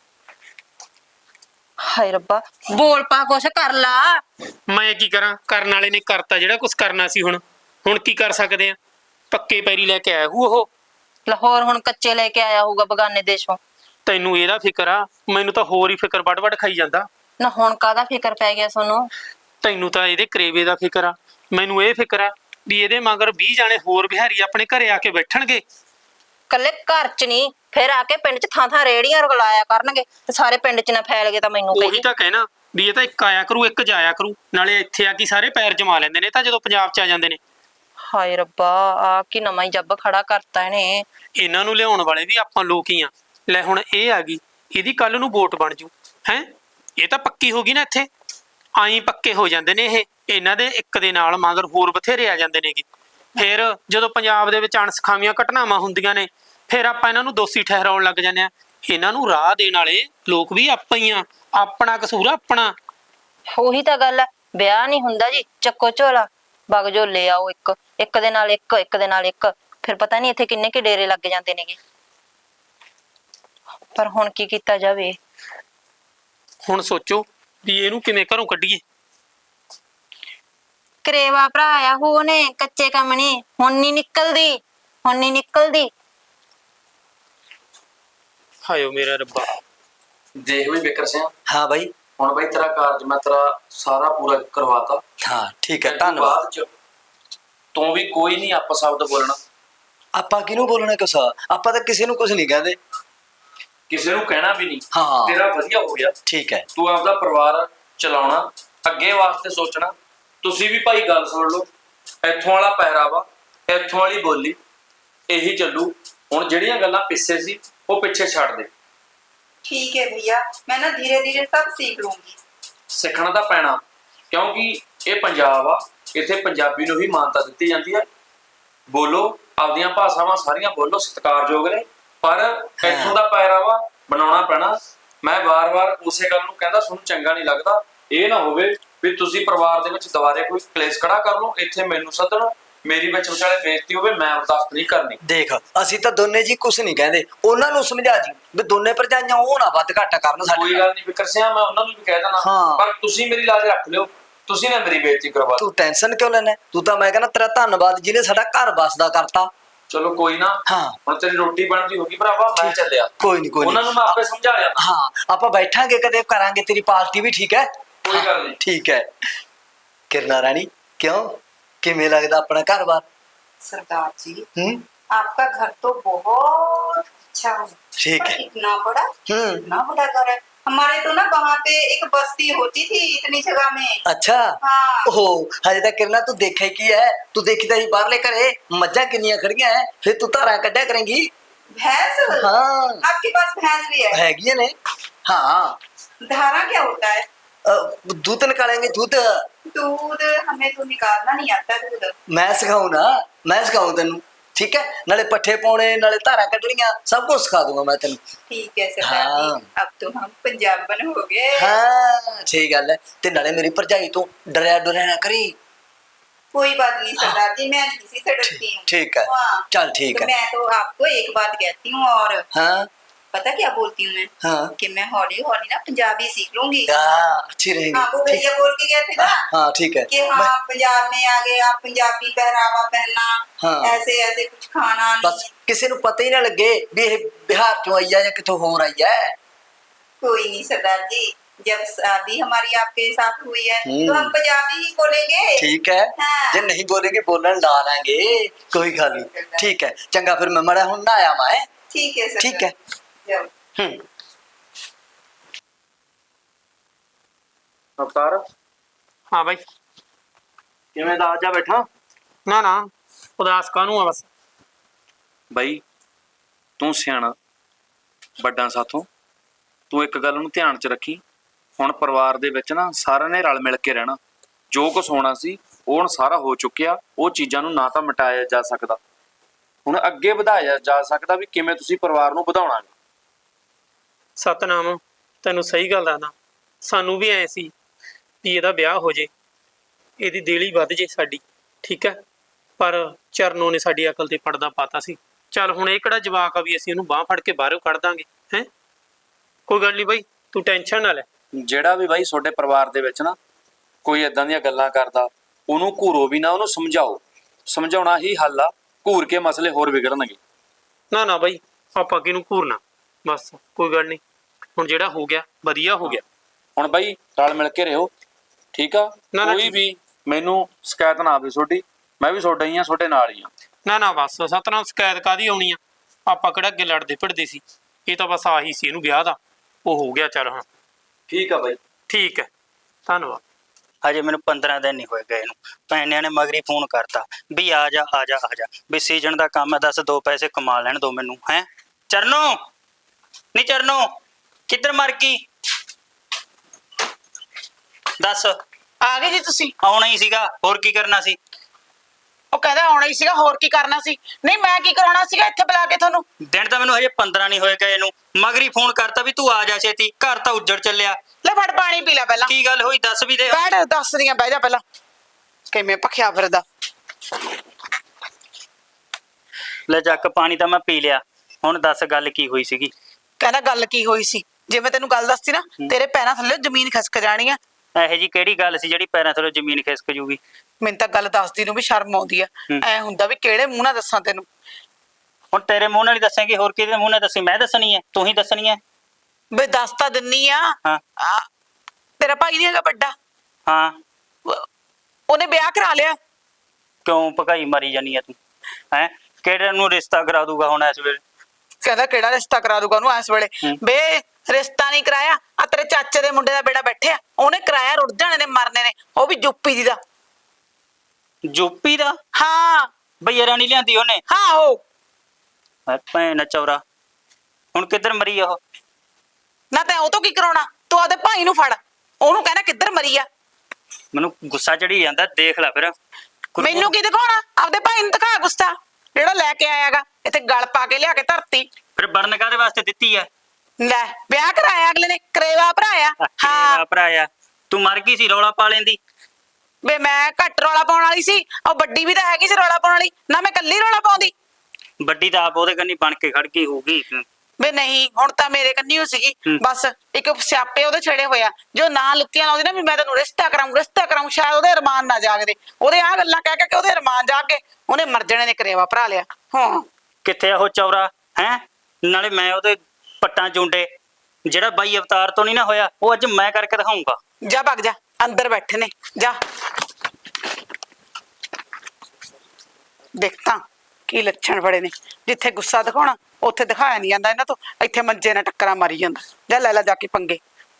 ਹਾਏ ਰੱਬਾ, ਬੋਲ ਪਾ ਕੁਛ ਕਰ ਲਾ। ਮੈਂ ਕੀ ਕਰਾਂ? ਕਰਨ ਵਾਲੇ ਨੇ ਕਰਤਾ ਜਿਹੜਾ ਕੁਛ ਕਰਨਾ ਸੀ। ਹੁਣ ਕੀ ਕਰ ਸਕਦੇ ਆ? ਪੱਕੇ ਪੈਰੀ ਲੈ ਕੇ ਆਇਆ ਹੂ ਉਹ। ਲਾਹੌਰ ਹੁਣ ਕੱਚੇ ਲੈ ਕੇ ਆਇਆ ਹੋਊਗਾ ਬਗਾਨੇ ਦੇਸ਼ੋਂ। ਤੈਨੂੰ ਇਹਦਾ ਫਿਕਰ ਆ? ਮੈਨੂੰ ਤਾਂ ਹੋਰ ਹੀ ਫਿਕਰ ਵੱਡ ਖਾਈ ਜਾਂਦਾ। ਨਾ ਹੁਣ ਕਾਹਦਾ ਫਿਕਰ ਪੈ ਗਿਆ ਤੁਹਾਨੂੰ? ਤੈਨੂੰ ਤਾਂ ਇਹਦੇ ਕਰੇਵੇ ਦਾ ਫਿਕਰ ਆ। ਮੈਨੂੰ ਇਹ ਫਿਕਰ ਆ ਵੀ ਇਹਦੇ ਮਗਰ 20 ਜਾਣੇ ਹੋਰ ਬਿਹਾਰੀ ਆਪਣੇ ਘਰੇ ਆ ਕੇ ਬੈਠਣਗੇ। ਕੱਲੇ ਘਰ ਚ ਨਹੀਂ, ਫਿਰ ਆ ਕੇ ਪਿੰਡ ਚ ਥਾਂ ਰੇੜੀਆਂ ਰਗਲਾਇਆ ਕਰਨਗੇ, ਤੇ ਸਾਰੇ ਪਿੰਡ ਚ ਨਾ ਫੈਲ ਗਏ ਤਾਂ ਮੈਨੂੰ ਉਹੀ ਕਹੀ। ਤਾਂ ਕਹਿਣਾ ਵੀ ਇਹ ਤਾਂ ਇੱਕ ਆਇਆ ਕਰੂ, ਇੱਕ ਜਾਇਆ ਕਰੂ। ਨਾਲੇ ਇੱਥੇ ਆ ਕੇ ਸਾਰੇ ਪੈਰ ਜਮਾ ਲੈਂਦੇ ਨੇ ਤਾਂ ਜਦੋਂ ਪੰਜਾਬ ਚ ਆ ਜਾਂਦੇ ਨੇ। ਹਾਏ ਰੱਬਾ, ਆ ਕੀ ਨਵਾਂ ਹੀ ਜੱਬ ਖੜਾ ਕਰਤਾ ਇਹਨੇ। ਇਹਨਾਂ ਨੂੰ ਲਿਆਉਣ ਵਾਲੇ ਵੀ ਆਪਾਂ ਲੋਕ ਹੀ ਆ। ਲੈ ਹੁਣ ਇਹ ਆ ਗਈ, ਇਹਦੀ ਕੱਲ ਨੂੰ ਵੋਟ ਬਣ ਜੂ ਹੈ। ਇਹ ਤਾਂ ਪੱਕੀ ਹੋ ਗਈ ਨਾ ਇੱਥੇ। ਆਈ ਪੱਕੇ ਹੋ ਜਾਂਦੇ ਨੇ ਇਹ। ਇਹਨਾਂ ਦੇ ਇੱਕ ਦੇ ਨਾਲ ਮਗਰ ਹੋਰ ਬਥੇਰੇ ਆ ਜਾਂਦੇ ਨੇਗੇ। ਫਿਰ ਜਦੋਂ ਪੰਜਾਬ ਦੇ ਵਿੱਚ ਅਣਸਖਾਵੀਆਂ ਘਟਨਾਵਾਂ ਹੁੰਦੀਆਂ ਨੇ, ਫਿਰ ਆਪਾਂ ਇਹਨਾਂ ਨੂੰ ਦੋਸ਼ੀ ਠਹਿਰਾਉਣ ਲੱਗ ਜਾਂਦੇ ਆ। ਇਹਨਾਂ ਨੂੰ ਰਾਹ ਦੇਣ ਵਾਲੇ ਲੋਕ ਵੀ ਆਪਾਂ ਹੀ ਆ। ਆਪਣਾ ਕਸੂਰ ਆਪਣਾ। ਉਹੀ ਤਾਂ ਗੱਲ ਹੈ, ਵਿਆਹ ਨਹੀਂ ਹੁੰਦਾ ਜੀ, ਚੱਕੋ ਝੋਲਾ ਬਗ ਜੋ ਲੈ ਆਓ। ਇੱਕ ਦੇ ਨਾਲ ਇੱਕ ਦੇ ਨਾਲ ਇੱਕ, ਫਿਰ ਪਤਾ ਨਹੀਂ ਇੱਥੇ ਕਿੰਨੇ ਕਿ ਡੇਰੇ ਲੱਗ ਜਾਂਦੇ ਨੇਗੇ। ਪਰ ਹੁਣ ਕੀ ਕੀਤਾ ਜਾਵੇ? ਹੁਣ ਸੋਚੋ ਵੀ ਇਹਨੂੰ ਕਿਵੇਂ ਘਰੋਂ ਕੱਢੀਏ। ਕਰੇਵਾ ਭਰਾ ਆਇਆ ਹੋ ਨੇ, ਕੱਚੇ ਕੰਮ ਨਹੀਂ। ਹੁਣ ਨਹੀਂ ਨਿਕਲਦੀ। ਹਾਇਓ ਮੇਰਾ ਰੱਬਾ। ਦੇਖ ਵੀ ਵਿਕਰ ਸਿੰਘ, ਹਾਂ ਬਾਈ। ਹੁਣ ਬਾਈ ਤੇਰਾ ਕਾਰਜ ਮੈਂ ਤੇਰਾ ਸਾਰਾ ਪੂਰਾ ਕਰਵਾਤਾ। ਹਾਂ ਠੀਕ ਹੈ, ਇਹ ਤੋਂ ਧੰਨਵਾਦ। ਬਾਅਦ ਚ ਤੂੰ ਵੀ ਕੋਈ ਨਹੀਂ ਆਪਾਂ ਸ਼ਬਦ ਬੋਲਣਾ। ਆਪਾਂ ਕਿਹਨੂੰ ਬੋਲਣਾ ਕੁਛ? ਆਪਾਂ ਤਾਂ ਕਿਸੇ ਨੂੰ ਕੁਛ ਨਹੀਂ ਕਹਿੰਦੇ। ਕਿਸੇ ਨੂੰ ਕਹਿਣਾ ਵੀ ਨਹੀਂ। ਹਾਂ। ਤੇਰਾ ਵਧੀਆ ਹੋ ਗਿਆ। ਠੀਕ ਹੈ। ਤੂੰ ਆਪਦਾ ਪਰਿਵਾਰ ਚਲਾਉਣਾ, ਅੱਗੇ ਵਾਸਤੇ ਸੋਚਣਾ। ਤੁਸੀਂ ਵੀ ਭਾਈ ਗੱਲ ਸੁਣ ਲਓ। ਇੱਥੋਂ ਵਾਲਾ ਪਹਿਰਾਵਾ, ਇੱਥੋਂ ਵਾਲੀ ਬੋਲੀ, ਇਹੀ ਚੱਲੂ। ਹੁਣ ਜਿਹੜੀਆਂ ਗੱਲਾਂ ਪਿੱਛੇ ਸੀ ਉਹ ਪਿੱਛੇ ਛੱਡ ਦੇ। ठीक है भैया, मैं ना धीरे धीरे सब सीख लूंगी। ਸਿੱਖਣਾ ਤਾਂ ਪੈਣਾ, ਕਿਉਂਕਿ ਇਹ ਪੰਜਾਬ ਆ। ਇੱਥੇ ਪੰਜਾਬੀ ਨੂੰ ਹੀ ਮਾਨਤਾ ਦਿੱਤੀ ਜਾਂਦੀ ਹੈ। ਬੋਲੋ, ਆਪਦੀਆਂ ਭਾਸ਼ਾਵਾਂ ਸਾਰੀਆਂ ਬੋਲੋ, ਸਤਿਕਾਰਯੋਗ ਨੇ, ਪਰ ਇੱਥੋਂ ਦਾ ਪਹਿਰਾਵਾ ਬਣਾਉਣਾ ਪੈਣਾ। ਮੈਂ ਵਾਰ-ਵਾਰ ਉਸੇ ਗੱਲ ਨੂੰ ਕਹਿੰਦਾ, ਤੁਹਾਨੂੰ ਚੰਗਾ ਨਹੀਂ ਲੱਗਦਾ, ਇਹ ਨਾ ਹੋਵੇ ਵੀ ਤੁਸੀਂ ਪਰਿਵਾਰ ਦੇ ਵਿੱਚ ਦੁਬਾਰੇ ਕੋਈ ਕਲੇਸ਼ ਖੜਾ ਕਰ ਲਓ, ਇੱਥੇ ਮੈਨੂੰ ਸੱਦਣ, ਮੇਰੀ ਵਿੱਚ ਵਿਚਾਲੇ ਬੇਇੱਜ਼ਤੀ ਹੋਵੇ, ਮੈਂ ਬਰਦਾਸ਼ਤ ਨਹੀਂ ਕਰਨੀ। ਦੇਖ ਅਸੀਂ ਤਾਂ ਦੋਨੇ ਜੀ ਕੁਝ ਨਹੀਂ ਕਹਿੰਦੇ, ਉਹਨਾਂ ਨੂੰ ਸਮਝਾ ਜੀ ਵੀ ਦੋਨੇ ਭਰਜਾਈਆਂ ਉਹ ਨਾ ਵੱਧ ਘੱਟ ਕਰਨ ਸਾਡੇ ਕੋਈ ਨਾਲ। ਗੱਲ ਨਹੀਂ ਫਿਕਰ ਸਿਆ, ਮੈਂ ਉਹਨਾਂ ਨੂੰ ਵੀ ਕਹਿ ਦੇਣਾ, ਹਾਂ। ਪਰ ਤੁਸੀਂ ਮੇਰੀ ਲਾਜ ਰੱਖ ਲਿਓ, ਤੁਸੀਂ ਨਾ ਮੇਰੀ ਬੇਇੱਜ਼ਤੀ ਕਰਵਾ ਦਿਓ। ਤੂੰ ਟੈਨਸ਼ਨ ਕਿਉਂ ਲੈਣਾ? ਤੂੰ ਤਾਂ ਮੈਂ ਕਹਿੰਦਾ ਤੇਰਾ ਧੰਨਵਾਦ ਜਿਹਨੇ ਸਾਡਾ ਘਰ ਬਸਦਾ ਕਰਤਾ। ਚਲੋ ਕੋਈ ਨਾ, ਹਾਂ। ਹੁਣ ਤੇਰੀ ਰੋਟੀ ਬਣਦੀ ਹੋਗੀ ਭਰਾਵਾ, ਮੈਂ ਚੱਲਿਆ। ਕੋਈ ਨਹੀਂ ਕੋਈ ਉਹਨਾਂ ਨਹੀਂ, ਨੂੰ ਮੈਂ ਆਪੇ ਸਮਝਾ ਲਿਆ। ਹਾਂ ਆਪਾਂ ਬੈਠਾਂਗੇ ਕਦੇ, ਕਰਾਂਗੇ ਤੇਰੀ ਪਾਰਟੀ ਵੀ, ਠੀਕ ਹੈ? ਕੋਈ ਗੱਲ ਨਹੀਂ। ਠੀਕ ਹੈ ਕਿਰਨਾ ਰਾਣੀ, ਕਿਉਂ ਕਿਵੇਂ ਲੱਗਦਾ ਆਪਣਾ ਘਰ-ਬਾਰ? सरदार जी हम्म आपका घर तो बहुत अच्छा है। ठीक पर है। इतना बड़ा, इतना बड़ा घर है। हमारे तो ना वहाँ पे एक बस्ती होती थी इतनी जगह में। अच्छा। हाँ। ओहो हजे तक किरना तू देखा की है? तू देखी तो ही बाहर ले करे मज्जा किनिया खड़िया है, फिर तू तारा कड्या करेंगी। भैंस? हाँ। आपके पास भैंस भी है? हैगी ने। हाँ। धारा क्या होता है? दूध निकालेंगे, दूध। दूध हमें तो निकालना नहीं आता दूध। मैं सिखाऊं ना, मैं सिखाऊं तेनू, ठीक है? नाले पट्ठे पाने, नाले धारा कड्डनियां, सब कुछ सिखा दूंगा मैं तेनू। ठीक है सरदार हाँ। जी, अब तो हम पंजाबन हो गए। हाँ सही गल है। ते नाले मेरी भरजाई तो डरिया डरिया ना करी। कोई बात नहीं सरदार जी, मैं किसी से डरती हूँ। ठीक है। हाँ। चल ठीक तो है। मैं तो आपको एक बात कहती हूँ, और हाँ पता क्या बोलती हूँ मैं? हाँ कि मैं हौली हौली ना पंजाबी सीख लूंगी। हाँ, अच्छी रहेगी। हाँ, वो ठीक। भैया बोल के गए थे ना हाँ ठीक है। कि हाँ पंजाब में आ गए आप, पंजाबी पहरावा पहनना, हाँ। ऐसे ऐसे कुछ खाना बस नहीं। किसी ਨੂੰ ਪਤਾ ਹੀ ਨਾ ਲੱਗੇ ਵੀ ਇਹ ਬਿਹਾਰ ਚੋਂ ਆਈ ਹੈ ਜਾਂ ਕਿਤੋਂ ਹੋਰ ਆਈ ਹੈ। कोई नहीं सरदार जी, जब शादी हमारी आपके साथ हुई है तो हम पंजाबी ही बोलेंगे। ठीक है। हाँ। ਜੇ ਨਹੀਂ ਬੋलेंगे बोलन ला लेंगे, कोई गल नहीं। ठीक है चंगा, फिर मैं मड़ा ਹੁਣ ਨਾ ਆਇਆ ਮੈਂ। ठीक है सर। ठीक है। जाओ। ਅਵਤਾਰ हाँ भाई। ਕਿਵੇਂ ਦਾ ਜਾ ਬੈਠਾ? ना ना उदास कानू है बस। ਬਾਈ ਤੂੰ ਸਿਆਣਾ ਵੱਡਾ ਸਾਥੋਂ, ਤੂੰ ਇੱਕ ਗੱਲ ਨੂੰ ਧਿਆਨ 'ਚ ਰੱਖੀ, ਹੁਣ ਪਰਿਵਾਰ ਦੇ ਵਿੱਚ ਨਾ ਸਾਰਿਆਂ ਨੇ ਰਲ ਮਿਲ ਕੇ ਰਹਿਣਾ। ਜੋ ਕੁਝ ਹੋਣਾ ਸੀ ਉਹ ਹੁਣ ਸਾਰਾ ਹੋ ਚੁੱਕਿਆ, ਉਹ ਚੀਜ਼ਾਂ ਨੂੰ ਨਾ ਤਾਂ ਮਿਟਾਇਆ ਜਾ ਸਕਦਾ, ਹੁਣ ਅੱਗੇ ਵਧਾਇਆ ਜਾ ਸਕਦਾ ਵੀ ਕਿਵੇਂ ਤੁਸੀਂ ਪਰਿਵਾਰ ਨੂੰ ਵਧਾਉਣਾ। ਸਤਨਾਮ ਤੈਨੂੰ ਸਹੀ ਗੱਲ ਦੱਸਦਾ, ਸਾਨੂੰ ਵੀ ਐ ਸੀ ਵੀ ਇਹਦਾ ਵਿਆਹ ਹੋ ਜੇ, ਇਹਦੀ ਦੇਲੀ ਵੱਧ ਜੇ ਸਾਡੀ, ਠੀਕ ਹੈ? ਪਰ ਚਰਨੋਂ ਨੇ ਸਾਡੀ ਅਕਲ ਤੇ ਪਰਦਾ ਪਾਤਾ ਸੀ। ਚੱਲ ਹੁਣ ਇਹ ਕਿਹੜਾ ਜਵਾਕ ਆ ਵੀ ਅਸੀਂ ਇਹਨੂੰ ਬਾਹ ਫੜ ਕੇ ਬਾਹਰੋਂ ਕੱਢ ਦਾਂਗੇ, ਹੈ? ਕੋਈ ਗੱਲ ਨਹੀਂ ਬਾਈ, ਤੂੰ ਟੈਨਸ਼ਨ ਨਾ ਲੈ। ਜਿਹੜਾ ਵੀ ਬਾਈ ਤੁਹਾਡੇ ਪਰਿਵਾਰ ਦੇ ਵਿੱਚ ਨਾ ਕੋਈ ਏਦਾਂ ਦੀਆਂ ਗੱਲਾਂ ਕਰਦਾ, ਉਹਨੂੰ ਘੂਰੋ ਵੀ ਨਾ, ਉਹਨੂੰ ਸਮਝਾਓ। ਸਮਝਾਉਣਾ ਹੀ ਹੱਲ ਆ, ਘੂਰ ਕੇ ਮਸਲੇ ਹੋਰ ਵਿਗੜਨਗੇ। ਨਾ ਨਾ ਬਾਈ, ਆਪਾਂ ਕਿਹਨੂੰ ਘੂਰਨਾ, ਬਸ ਕੋਈ ਗੱਲ ਨਹੀਂ, ਹੁਣ ਜਿਹੜਾ ਹੋ ਗਿਆ ਵਧੀਆ ਹੋ ਗਿਆ। ਹੁਣ ਬਾਈ ਰਲ ਮਿਲ ਕੇ ਰਹੋ, ਠੀਕ ਆ? ਨਾ, ਕੋਈ ਵੀ ਮੈਨੂੰ ਸ਼ਿਕਾਇਤ ਨਾ ਆਵੇ ਤੁਹਾਡੀ, ਮੈਂ ਵੀ ਤੁਹਾਡਾ ਹੀ ਆ, ਤੁਹਾਡੇ ਨਾਲ ਹੀ ਆ। ਨਾ ਨਾ ਬਸ ਸਤਨਾਮ, ਸ਼ਿਕਾਇਤ ਕਾਹਦੀ ਆਉਣੀ ਆ? ਆਪਾਂ ਕਿਹੜਾ ਅੱਗੇ ਲੜਦੇ ਭਿੜਦੇ ਸੀ, ਇਹ ਤਾਂ ਬਸ ਆਹੀ ਸੀ ਇਹਨੂੰ ਵਿਆਹ ਦਾ, ਉਹ ਹੋ ਗਿਆ। ਚੱਲ ਹੁਣ ਠੀਕ ਆ ਬਾਈ। ਠੀਕ ਹੈ, ਧੰਨਵਾਦ। ਹਜੇ ਮੈਨੂੰ 15 ਦਿਨ ਨਹੀਂ ਹੋਏ ਗਏ ਨੂੰ, ਭੈਣਿਆਂ ਨੇ ਮਗਰੀ ਫੋਨ ਕਰਤਾ ਵੀ ਆ ਜਾ ਆ ਜਾ ਆ ਜਾ, ਵੀ ਸੀਜ਼ਨ ਦਾ ਕੰਮ ਹੈ, ਦੱਸ 2 ਪੈਸੇ ਕਮਾ ਲੈਣ ਦੋ ਮੈਨੂੰ। ਹੈ ਚਰਨੋ, ਨਹੀਂ ਚਰਨੋ ਕਿੱਧਰ ਮਰ ਗਈ? ਦੱਸ। ਆ ਗਏ ਜੀ ਤੁਸੀਂ? ਆਉਣਾ ਹੀ ਸੀਗਾ, ਹੋਰ ਕੀ ਕਰਨਾ ਸੀ? ਉਹ ਕਹਿੰਦਾ ਆਉਣਾ ਹੀ ਸੀਗਾ, ਹੋਰ ਕੀ ਕਰਨਾ ਸੀ? ਨਹੀਂ ਮੈਂ ਕੀ ਕਰਾਉਣਾ ਸੀਗਾ ਇੱਥੇ ਬੁਲਾ ਕੇ ਤੁਹਾਨੂੰ? ਦਿਨ ਤਾਂ ਮੈਨੂੰ ਹਜੇ 15 ਨਹੀਂ ਹੋਏ ਗਏ ਨੂੰ, ਮਗਰੀ ਫੋਨ ਕਰਤਾ ਵੀ ਤੂੰ ਆ ਜਾ ਛੇਤੀ, ਘਰ ਤਾਂ ਉੱਜੜ ਚੱਲਿਆ। ਲੈ ਫੜ ਪਾਣੀ ਪੀ ਲੈ ਪਹਿਲਾਂ। ਕੀ ਗੱਲ ਹੋਈ ਦੱਸ ਵੀ ਦੇ। ਬੈਠ, ਦੱਸਦੀ ਆਂ, ਬਹਿ ਜਾ ਪਹਿਲਾਂ। ਕਿਵੇਂ ਭਖਿਆ ਫਿਰਦਾ। ਲੈ ਚੱਕ ਪਾਣੀ ਤਾਂ ਮੈਂ ਪੀ ਲਿਆ, ਹੁਣ ਦੱਸ ਗੱਲ ਕੀ ਹੋਈ ਸੀਗੀ? ਕਹਿੰਦਾ ਗੱਲ ਕੀ ਹੋਈ ਸੀ? ਜੇ ਮੈਂ ਤੈਨੂੰ ਗੱਲ ਦੱਸਤੀ ਨਾ, ਤੇਰੇ ਪੈਰਾਂ ਥੱਲੇ ਜ਼ਮੀਨ ਖਿਸਕ ਜਾਣੀ ਆ। ਇਹੋ ਜੀ ਕਿਹੜੀ ਗੱਲ ਸੀ ਜਿਹੜੀ ਪੈਰਾਂ ਥੱਲੋਂ ਜ਼ਮੀਨ ਖਿਸਕ ਜੂਗੀ? ਮੈਨੂੰ ਤਾਂ ਗੱਲ ਦੱਸਦੀ ਨੂੰ ਵੀ ਸ਼ਰਮ ਆਉਂਦੀ ਆ। ਐ ਹੁੰਦਾ ਵੀ ਕਿਹੜੇ ਮੂੰਹ ਨਾਲ ਦੱਸਾਂ ਤੈਨੂੰ। ਹੁਣ ਤੇਰੇ ਮੂੰਹ ਨਾਲ ਹੀ ਦੱਸੇਂਗੀ, ਹੋਰ ਕਿਹਦੇ ਮੂੰਹ ਨਾਲ ਦੱਸੀ? ਮੈਂ ਦੱਸਣੀ ਹੈ, ਤੂੰ ਹੀ ਦੱਸਣੀ ਹੈ। ਬਈ ਦੱਸ ਤਾਂ ਦਿੰਨੀ ਆ। ਹਾਂ ਤੇਰਾ ਭਾਈ ਨਹੀਂ ਹੈਗਾ ਵੱਡਾ? ਹਾਂ। ਉਹਨੇ ਵਿਆਹ ਕਰਾ ਲਿਆ। ਕਿਉਂ ਭਕਾਈ ਮਾਰੀ ਜਾਨੀ ਆ ਤੂੰ? ਹੈ ਕਿਹੜੇ ਨੂੰ ਰਿਸ਼ਤਾ ਕਰਾ ਦੂਗਾ ਹੁਣ ਇਸ ਵੇਲੇ? ਕਹਿੰਦਾ ਕਿਹੜਾ ਰਿਸ਼ਤਾ ਕਰਾ ਦੂਗਾ ਉਹਨੂੰ ਇਸ ਵੇਲੇ? ਬੇ ਰਿਸ਼ਤਾ ਨਹੀਂ ਕਰਾਇਆ, ਆ ਤੇਰੇ ਚਾਚੇ ਦੇ ਮੁੰਡੇ ਦਾ ਬੇੜਾ ਬੈਠਿਆ, ਉਹਨੇ ਕਰਾਇਆ, ਰੁੱਟ ਜਾਣੇ ਨੇ, ਮਰਨੇ ਨੇ, ਉਹ ਵੀ ਯੂਪੀ ਦੀ ਦਾ। ਯੂਪੀ ਦਾ? ਹਾਂ ਬਈ ਰਾਣੀ ਲਿਆਂਦੀ ਉਹਨੇ? ਹਾਂ ਉਹ ਭੈਣ ਚੌਰਾ, ਹੁਣ ਕਿੱਧਰ ਮਰੀ ਉਹ? ਨਾ ਤੈਂ ਉਹ ਤੋਂ ਕੀ ਕਰਾਉਣਾ? ਤੂੰ ਆਪਦੇ ਭਾਈ ਨੂੰ ਫੜ, ਉਹਨੂੰ ਕਹਿਣਾ ਕਿੱਧਰ ਮਰੀ ਆ। ਮੈਨੂੰ ਗੁੱਸਾ ਚੜੀ ਜਾਂਦਾ, ਦੇਖ ਲੈ ਫਿਰ। ਮੈਨੂੰ ਕੀ ਦਿਖਾਉਣਾ? ਆਪਦੇ ਭਾਈ ਨੂੰ ਦਿਖਾ ਗੁੱਸਾ, ਜਿਹੜਾ ਲੈ ਕੇ ਆਇਆਗਾ ਇੱਥੇ ਗਲ ਪਾ ਕੇ ਲਿਆ ਕੇ ਧਰਤੀ। ਫਿਰ ਬਰਨ ਕਾਹਦੇ ਵਾਸਤੇ ਦਿੱਤੀ ਐ? ਲੈ ਵਿਆਹ ਕਰਾਇਆ ਅਗਲੇ ਨੇ, ਕਰੇਵਾ ਭਰਾਇਆ। ਹਾਂ ਭਰਾਇਆ। ਤੂੰ ਮਰ ਗਈ ਸੀ ਰੌਲਾ ਪਾ ਲੈਂਦੀ। ਵੇ ਮੈਂ ਘੱਟ ਰੌਲਾ ਪਾਉਣ ਵਾਲੀ ਸੀ, ਉਹ ਵੱਡੀ ਵੀ ਤਾਂ ਹੈਗੀ ਸੀ ਰੌਲਾ ਪਾਉਣ ਵਾਲੀ, ਨਾ ਮੈਂ ਕੱਲੀ ਰੌਲਾ ਪਾਉਂਦੀ। ਵੱਡੀ ਤਾਂ ਆਪ ਉਹਦੇ ਕੰਨੀ ਬਣ ਕੇ ਖੜ ਗਈ ਹੋਊਗੀ। ਵੇ ਨਹੀਂ, ਹੁਣ ਤਾਂ ਮੇਰੇ ਕੰਨੀ ਹੋ ਸੀਗੀ। ਬਸ ਇੱਕ ਸਿਆਪੇ ਉਹਦੇ ਛੇੜੇ ਹੋਇਆ, ਜੋ ਨਾ ਲੁੱਤੀਆਂ ਲਾਉਂਦੀ ਨਾ ਵੀ ਮੈਂ ਤੈਨੂੰ ਰਿਸ਼ਤਾ ਕਰਾਉਂ, ਸ਼ਾਇਦ ਉਹਦੇ ਅਰਮਾਨ ਨਾ ਜਾਗਦੇ। ਉਹਦੇ ਆਹ ਗੱਲਾਂ ਕਹਿ ਕੇ ਉਹਦੇ ਅਰਮਾਨ ਜਾਗ ਕੇ ਉਹਨੇ ਮਰ ਜਾਣੇ ਨੇ ਕਰੇਵਾ ਭਰਾ ਲਿਆ। ਹਾਂ ਕਿੱਥੇ ਆ ਉਹ ਚੌਰਾ ਹੈ? ਨਾਲੇ ਮੈਂ ਉਹਦੇ ਪੱਟਾਂ ਚੁੰਡੇ, ਜਿਹੜਾ ਬਾਈ ਅਵਤਾਰ ਤੋਂ ਨਹੀਂ ਨਾ ਹੋਇਆ, ਉਹ ਅੱਜ ਮੈਂ ਕਰਕੇ ਦਿਖਾਉਂਗਾ। ਜਾ ਭੱਗ ਜਾ, ਅੰਦਰ ਬੈਠੇ ਨੇ, ਜਾ ਦੇਖ ਤਾਂ ਕੀ ਲੱਛਣ ਬੜੇ ਨੇ। ਜਿੱਥੇ ਗੁੱਸਾ ਦਿਖਾਉਣਾ ਉੱਥੇ ਦਿਖਾਇਆ ਨਹੀਂ ਜਾਂਦਾ ਇਹਨਾਂ ਤੋਂ, ਇੱਥੇ ਮੰਜੇ ਨਾਲ ਟੱਕਰਾਂ ਮਾਰੀ ਜਾਂਦਾ। ਜਾ ਲੈ ਜਾ ਕੇ ਪੰਗੇ।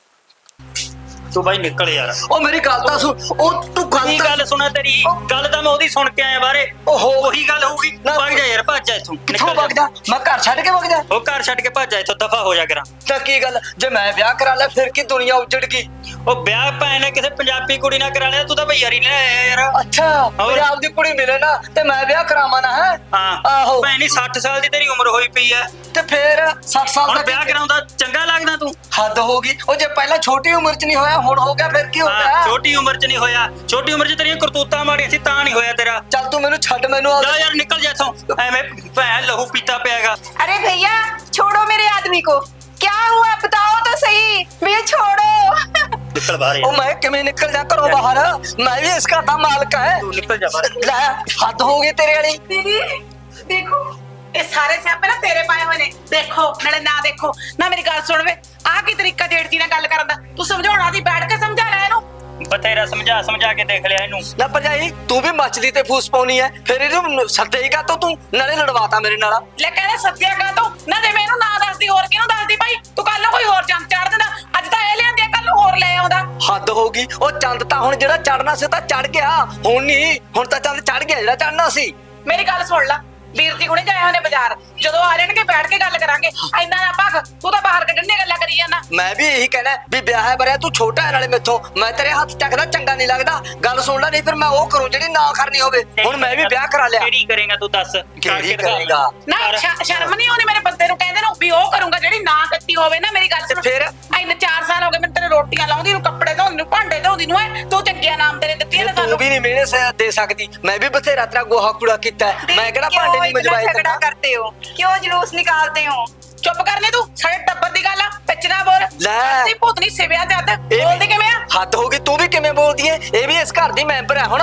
ਤੂੰ ਬਾਈ ਨਿਕਲ ਯਾਰ। ਉਹ ਮੇਰੀ ਗੱਲ ਤਾਂ ਸੁਣ, ਉਹ ਤੂੰ ਕੀ ਗੱਲ ਸੁਣਾ ਤੇਰੀ? ਗੱਲ ਤਾਂ ਮੈਂ ਉਹਦੀ ਸੁਣ ਕੇ ਆਇਆ ਬਾਰੇ। ਓਹੋ, ਉਹੀ ਗੱਲ ਹੋਊਗੀ। ਭੱਜ ਜਾ ਯਾਰ, ਭੱਜ ਜਾ ਇੱਥੋਂ। ਕਿੱਥੋਂ ਵਗ ਜਾ? ਮੈਂ ਘਰ ਛੱਡ ਕੇ ਵਗ ਜਾ? ਉਹ ਘਰ ਛੱਡ ਕੇ ਭੱਜ ਜਾ ਇੱਥੋਂ, ਦਫਾ ਹੋ ਜਾ ਕਰਾਂ। ਤਾਂ ਕੀ ਗੱਲ, ਜੇ ਮੈਂ ਵਿਆਹ ਕਰਾ ਲਿਆ ਫਿਰ ਕੀ ਦੁਨੀਆ ਉਜੜ ਗਈ? ਉਹ ਵਿਆਹ ਭੈਣ ਨੇ ਕਿਸੇ ਪੰਜਾਬੀ ਕੁੜੀ ਨਾਲ ਕਰਾ ਲਿਆ, ਤੂੰ ਤਾਂ ਭਈਆਰੀ ਲੈ ਆਇਆ ਯਾਰ। ਅੱਛਾ, ਪੰਜਾਬ ਦੀ ਕੁੜੀ ਮਿਲੇ ਨਾ ਤੇ ਮੈਂ ਵਿਆਹ ਕਰਾਵਾਂ ਨਾ? ਹੈ ਹਾਂ ਆਹੋ। ਭੈਣ ਦੀ 60 ਸਾਲ ਦੀ ਤੇਰੀ ਉਮਰ ਹੋਈ ਪਈ ਐ, ਤੇ ਫਿਰ 60 ਸਾਲ ਹੁਣ ਦਾ ਵਿਆਹ ਕਰਾਉਂਦਾ ਚੰਗਾ ਲੱਗਦਾ ਤੂੰ? ਹੱਦ ਹੋ ਗਈ। ਉਹ ਜੇ ਪਹਿਲਾਂ ਛੋਟੀ ਉਮਰ 'ਚ ਨਹੀਂ ਹੋਇਆ, ਹੁਣ ਹੋ ਗਿਆ, ਫਿਰ ਕੀ ਹੋ ਹਾਂ, ਗਿਆ? ਛੋਟੀ ਉਮਰ 'ਚ ਨਹੀਂ ਹੋਇਆ। ਛੋਟੀ ਉਮਰ 'ਚ ਤੇਰੀਆਂ ਕਰਤੂਤਾਂ ਮਾੜੀਆਂ ਸੀ ਤਾਂ ਨਹੀਂ ਹੋਇਆ ਤੇਰਾ। ਚੱਲ ਤੂੰ ਮੈਨੂੰ ਛੱਡ, ਮੈਨੂੰ ਜਾ ਯਾਰ ਨਿਕਲ ਜਾ ਇੱਥੋਂ, ਐਵੇਂ ਭੈਣ ਲਹੂ ਪੀਤਾ ਪਿਆਗਾ। अरे भैया छोड़ो मेरे आदमी को, क्या हुआ बताओ तो सही भैया, छोड़ो। ਨਿਕਲ ਬਾਹਰ ਉਹ ਯਾਰ, ਮੈਂ ਕਿਵੇਂ ਨਿਕਲ ਜਾ ਘਰੋਂ ਬਾਹਰ? ਮੈਂ ਵੀ ਇਸ ਘਰ ਦਾ ਮਾਲਕ ਹੈ। ਤੂੰ ਨਿਕਲ ਜਾ ਬਾਹਰ। ਲੈ, ਹੱਦ ਹੋ ਗਈ ਤੇਰੇ ਵਾਲੀ। ਦੀਦੀ ਦੇਖੋ, ਇਹ ਸਾਰੇ ਸਿਆਪੇ ਨਾ ਤੇਰੇ ਪਾਏ ਹੋਏ ਨੇ। ਦੇਖੋ ਨਾਲੇ ਨਾ ਦੇਖੋ ਨਾ। ਮੇਰੀ ਗੱਲ ਸੁਣ ਵੇ, ਆਹ ਕੀ ਤਰੀਕਾ ਜੇਠ ਨਾਲ ਗੱਲ ਕਰਨ ਦਾ? ਤੂੰ ਸਮਝਾਉਣਾ ਦੀ, ਬੈਠ ਕੇ ਸਮਝਾ ਲੈ ਇਹਨੂੰ। ਬਥੇਰਾ ਸਮਝਾ ਕੇ ਦੇਖ ਲਿਆ ਇਹਨੂੰ। ਨਾ ਭਰਜਾਈ, ਤੂੰ ਵੀ ਮੱਛਦੀ ਤੇ ਫੂਸ ਪਾਉਣੀ ਐ, ਫਿਰ ਇਹਨੂੰ ਸੱਦੇਗਾ ਤਾਂ ਤੂੰ ਨਾਲੇ ਲੜਵਾਤਾ ਮੇਰੇ ਨਾਲ। ਲੈ ਕਹਿੰਦਾ ਸੱਦਿਆ ਕਾ ਤੋਂ ਨਾ, ਜੇ ਮੈਂ ਇਹਨੂੰ ਨਾ ਦੱਸਦੀ ਹੋਰ ਕਿਹਨੂੰ ਦੱਸਦੀ ਭਾਈ? ਤੂੰ ਕੱਲ ਨੂੰ ਕੋਈ ਹੋਰ ਚੰਦ ਚਾੜ ਦਿੰਦਾ। ਅੱਜ ਤਾਂ ਇਹ ਲਿਆਂਦੀ, ਕੱਲ ਨੂੰ ਹੋਰ ਲੈ ਆਉਂਦਾ। ਹੱਦ ਹੋ ਗਈ। ਉਹ ਚੰਦ ਤਾਂ ਹੁਣ ਜਿਹੜਾ ਚੜਨਾ ਸੀ ਤਾਂ ਚੜ ਗਿਆ, ਹੁਣ ਨਹੀਂ। ਹੁਣ ਤਾਂ ਚੰਦ ਚੜ ਗਿਆ ਜਿਹੜਾ ਚੜਨਾ ਸੀ। ਮੇਰੀ ਗੱਲ ਸੁਣ ਲੈ, ਵੀਰ ਜੀ ਹੁਣੇ ਜਾਏ ਹੋਣੇ ਬਾਜ਼ਾਰ, ਜਦੋਂ ਆ ਜਾਣਗੇ ਬੈਠ ਕੇ ਗੱਲ ਕਰਾਂਗੇ। ਇੰਨਾ ਨਾ ਭੱਗ, ਤੂੰ ਤਾਂ ਬਾਹਰ ਕੱਢਣ ਦੀਆਂ ਗੱਲਾਂ ਕਰੀ ਜਾਂਦਾ। ਮੈਂ ਵੀ ਇਹੀ ਕਹਿਣਾ ਵੀ ਵਿਆਹ ਹੈ ਬਰਿਆ, ਤੂੰ ਛੋਟਾ ਹੈ ਨਾਲੇ ਮੈਥੋਂ। ਮੈਂ ਤੇਰੇ ਹੱਥ ਚੱਕਦਾ ਚੰਗਾ ਨਹੀਂ ਲੱਗਦਾ। ਗੱਲ ਸੁਣ ਲੈ, ਨਹੀਂ ਫਿਰ ਮੈਂ ਉਹ ਕਰੂੰ ਜਿਹੜੀ ਨਾ ਕਰਨੀ ਹੋਵੇ। ਹੁਣ ਮੈਂ ਵੀ ਵਿਆਹ ਕਰਾ ਲਿਆ। ਕਿਹੜੀ ਕਰੇਗਾ ਤੂੰ ਦੱਸ? ਕਿਹੜੀ ਕਰੇਗਾ? ਨਾ ਸ਼ਰਮ ਨਹੀਂ ਆਉਂਦੀ ਮੇਰੇ ਬੰਦੇ ਨੂੰ ਕਹਿੰਦੇ ਨੂੰ ਵੀ ਉਹ ਕਰੂੰਗਾ ਜਿਹੜੀ ਨਾ ਕੀਤੀ ਹੋਵੇ ਨਾ। ਮੇਰੀ ਗੱਲ ਸੁਣ, ਤੇ ਫਿਰ? ਇੰਨੇ 4 ਸਾਲ ਹੋ ਗਏ ਮੈਨੂੰ ਤੇਰੇ ਰੋਟੀਆਂ ਲਾਉਂਦੀ ਨੂੰ, ਕੱਪੜੇ ਧੋਂਦੀ ਨੂੰ, ਭਾਂਡੇ ਧੋਂਦੀ ਨੂੰ। ਤੂੰ ਚੰਗੀਆਂ ਨਾਮ ਤੇਰੇ ਦਿੱਤੀਆਂ ਨੇ ਤੂੰ ਸਾਨੂੰ। ਵੀ ਨਹੀਂ ਮੇਰੇ ਦੇ ਸਕਦੀ। ਮੈਂ ਵੀ ਬਥੇਰਾ ਤੇਰਾ ਗੋਹਾ ਕੂੜਾ ਕੀਤਾ ਹੈ। ਮੈਂ ਕਿਹੜਾ ਭਾਂਡੇ ਨਹੀਂ ਮਜਵਾਏ झगड़ा ਤੈਨੂੰ। करते हो, क्यों जुलूस निकालते हो? ਚੁੱਪ ਕਰਨੇ ਤੂੰ, ਸਾਡੇ ਟੱਬਰ ਦੀ ਗੱਲ ਆ, ਵਿੱਚ ਨਾ ਬੋਲ। ਲੈ। ਤੇ ਭੂਤਨੀ ਸਿਵਿਆ ਜੱਦ ਇਹ ਵੀ- ਬੋਲਦੀ ਕਿਵੇਂ ਆ? ਹੱਦ ਹੋ ਗਈ। ਤੂੰ ਵੀ ਕਿਵੇਂ ਬੋਲਦੀ ਏ? ਇਹ ਵੀ ਇਸ ਘਰ ਦੀ ਮੈਂਬਰ ਹੈ ਹੁਣ।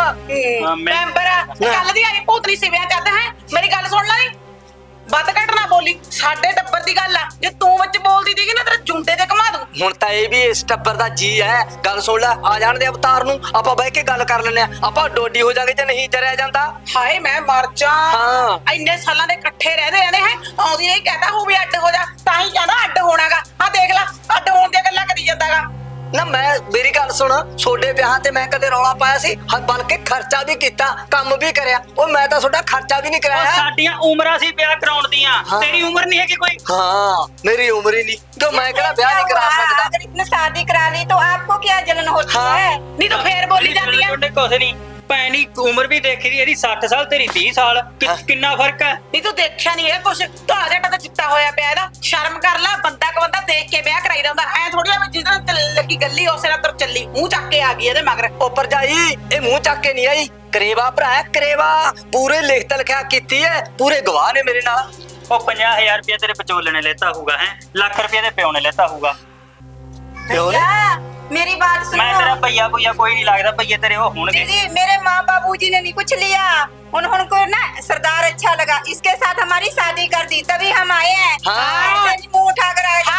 ਮੈਂਬਰ ਆ, ਕੱਲ ਦੀ ਆਈ ਭੂਤਨੀ ਸਿਵਿਆ ਜੱਦ ਹੈ। ਮੇਰੀ ਗੱਲ ਸੁਣ ਲੈ ਨੀ, ਵੱਧ ਘੱਟ ਨਾ ਬੋਲੀ। ਸਾਡੇ ਟੱਬਰ ਦੀ ਗੱਲ ਆ, ਜੇ ਤੂੰ ਵਿੱਚ ਬੋਲਦੀ ਸੀਗੀ ਨਾ ਤੇਰੇ ਜੁੰਡੇ ਤੇ ਘੁਮਾ ਦੂੰ। ਹੁਣ ਤਾਂ ਇਹ ਵੀ ਇਸ ਟੱਬਰ ਦਾ ਜੀ ਹੈ। ਗੱਲ ਸੁਣ ਲੈ, ਆ ਜਾਣ ਦੇ ਅਵਤਾਰ ਨੂੰ, ਆਪਾਂ ਬਹਿ ਕੇ ਗੱਲ ਕਰ ਲੈਂਦੇ ਆ। ਆਪਾਂ ਡੋਡੀ ਹੋ ਜਾਗੇ ਜੇ ਨਹੀਂ ਜਰਿਆ ਜਾਂਦਾ। ਹਾਏ ਮੈਂ ਮਰ ਜਾ। ਹਾਂ। ਇੰਨੇ ਸਾਲਾਂ ਦੇ ਇਕੱਠੇ ਰਹਦੇ ਰਹਿੰਦੇ ਹੈ, ਆਉਂਦੀ ਨਹੀਂ ਕਹਤਾ ਹੋ ਵੀ ਅੱਡ ਹੋ ਜਾ, ਤਾਂ ਹੀ ਕਹਿੰਦਾ ਅੱਡ ਹੋਣਾਗਾ। ਆ ਦੇਖ ਲੈ, ਅੱਡ ਹੋਣ ਦੀਆਂ ਗੱਲਾਂ ਕਰੀ ਜਾਂਦਾਗਾ। ਨਾ ਮੈਂ, ਮੇਰੀ ਗੱਲ ਸੁਣ, ਛੋਡੇ ਵਿਆਹਾਂ ਤੇ ਮੈਂ ਕਦੇ ਰੌਲਾ ਪਾਇਆ ਸੀ? ਬਲਕਿ ਖਰਚਾ ਵੀ ਕੀਤਾ, ਕੰਮ ਵੀ ਕਰਿਆ। ਉਹ ਮੈਂ ਤਾਂ ਤੁਹਾਡਾ ਖਰਚਾ ਵੀ ਨਹੀਂ ਉਹ ਕਰਾਇਆ। ਸਾਡੀਆਂ ਉਮਰਾਂ ਸੀ ਵਿਆਹ ਕਰਾਉਣ ਦੀਆਂ, ਹਾਂ। ਤੇਰੀ ਉਮਰ ਨਹੀਂ ਹੈ ਕਿ ਕੋਈ। ਹਾਂ, ਮੇਰੀ ਉਮਰ ਹੀ ਨਹੀਂ ਤੇ ਮੈਂ ਕਿਹੜਾ ਵਿਆਹ ਨਹੀਂ ਕਰਾ क्या हुआ? ਸਕਦਾ। अगर इतने शादी करा ली तो आपको क्या जलन होती हाँ। है? ਨਹੀਂ ਤੂੰ ਫੇਰ ਬੋਲੀ ਜਾਂਦੀ ਆ। ਛੋਟੇ ਕੁਛ ਨਹੀਂ, ਭੈਣ ਦੀ ਉਮਰ ਵੀ ਦੇਖੀ ਦੀ, ਇਹਦੀ 60 ਸਾਲ ਤੇਰੀ 30 ਸਾਲ। ਹਾਂ। ਕਿੰਨਾ ਫਰਕ ਹੈ? ਨਹੀਂ ਤੂੰ ਦੇਖਿਆ ਨਹੀਂ ਇਹ ਕੁਛ, ਧੌਲਾ ਜਿਹਾ ਤਾਂ ਚਿੱਟਾ ਹੋਇਆ ਪਿਆ ਇਹਦਾ। ਸ਼ਰਮ ਕਰ ਲੈ, ਬੰਦਾ ਕ ਬੰਦਾ ਦੇਖ ਕੇ ਵਿਆਹ ਕਰਾਈ ਜਾਂਦਾ। ਐ ਥੋੜੀ ਆ ਵੀ ਜਿਸ ਨਾਲ ਲੱਗੀ ਗੱਲੀ ਉਸੇ ਨਾਲ ਤੁਰ ਚੱਲੀ, ਮੂੰਹ ਚੱਕ ਕੇ ਆ ਗਈ ਇਹਦੇ ਮਗਰ। ਉਹ ਭਰਜਾਈ, ਇਹ ਮੂੰਹ ਚੱਕ ਕੇ ਨਹੀਂ ਆਈ। ਕਰੇਵਾ ਭਰਾ ਹੈ, ਕਰੇਵਾ। ਪੂਰੇ ਲਿਖਤ ਲਿਖਿਆ ਕੀਤੀ ਹੈ, ਪੂਰੇ ਗਵਾਹ ਨੇ ਮੇਰੇ ਨਾਲ। ਉਹ 50,000 ਰੁਪਇਆ ਤੇਰੇ ਵਿਚੋਲੇ ਨੇ ਲੈਤਾ ਹੋਊਗਾ, ਹੈ ਲੱਖ ਰੁਪਇਆ ਦੇ ਪਿਓ ਨੇ ਲੈਤਾ ਹੋਊਗਾ। ਪਿਓ ਨੇ? भैया मेरी बात ਮੈਂ ਤੇਰਾ सुनो। ਭਈਆ ਕੋਈ ਨਹੀਂ ਲੱਗਦਾ, ਭਈਏ ਤੇਰੇ ਉਹ ਹੋਣਗੇ। दीदी मेरे माँ बाबू जी ने नहीं कुछ लिया, उनको ना सरदार अच्छा लगा, इसके साथ हमारी शादी कर दी, तभी हम आए हैं। हाँ। ऐसे नहीं मुंह उठा कर आए।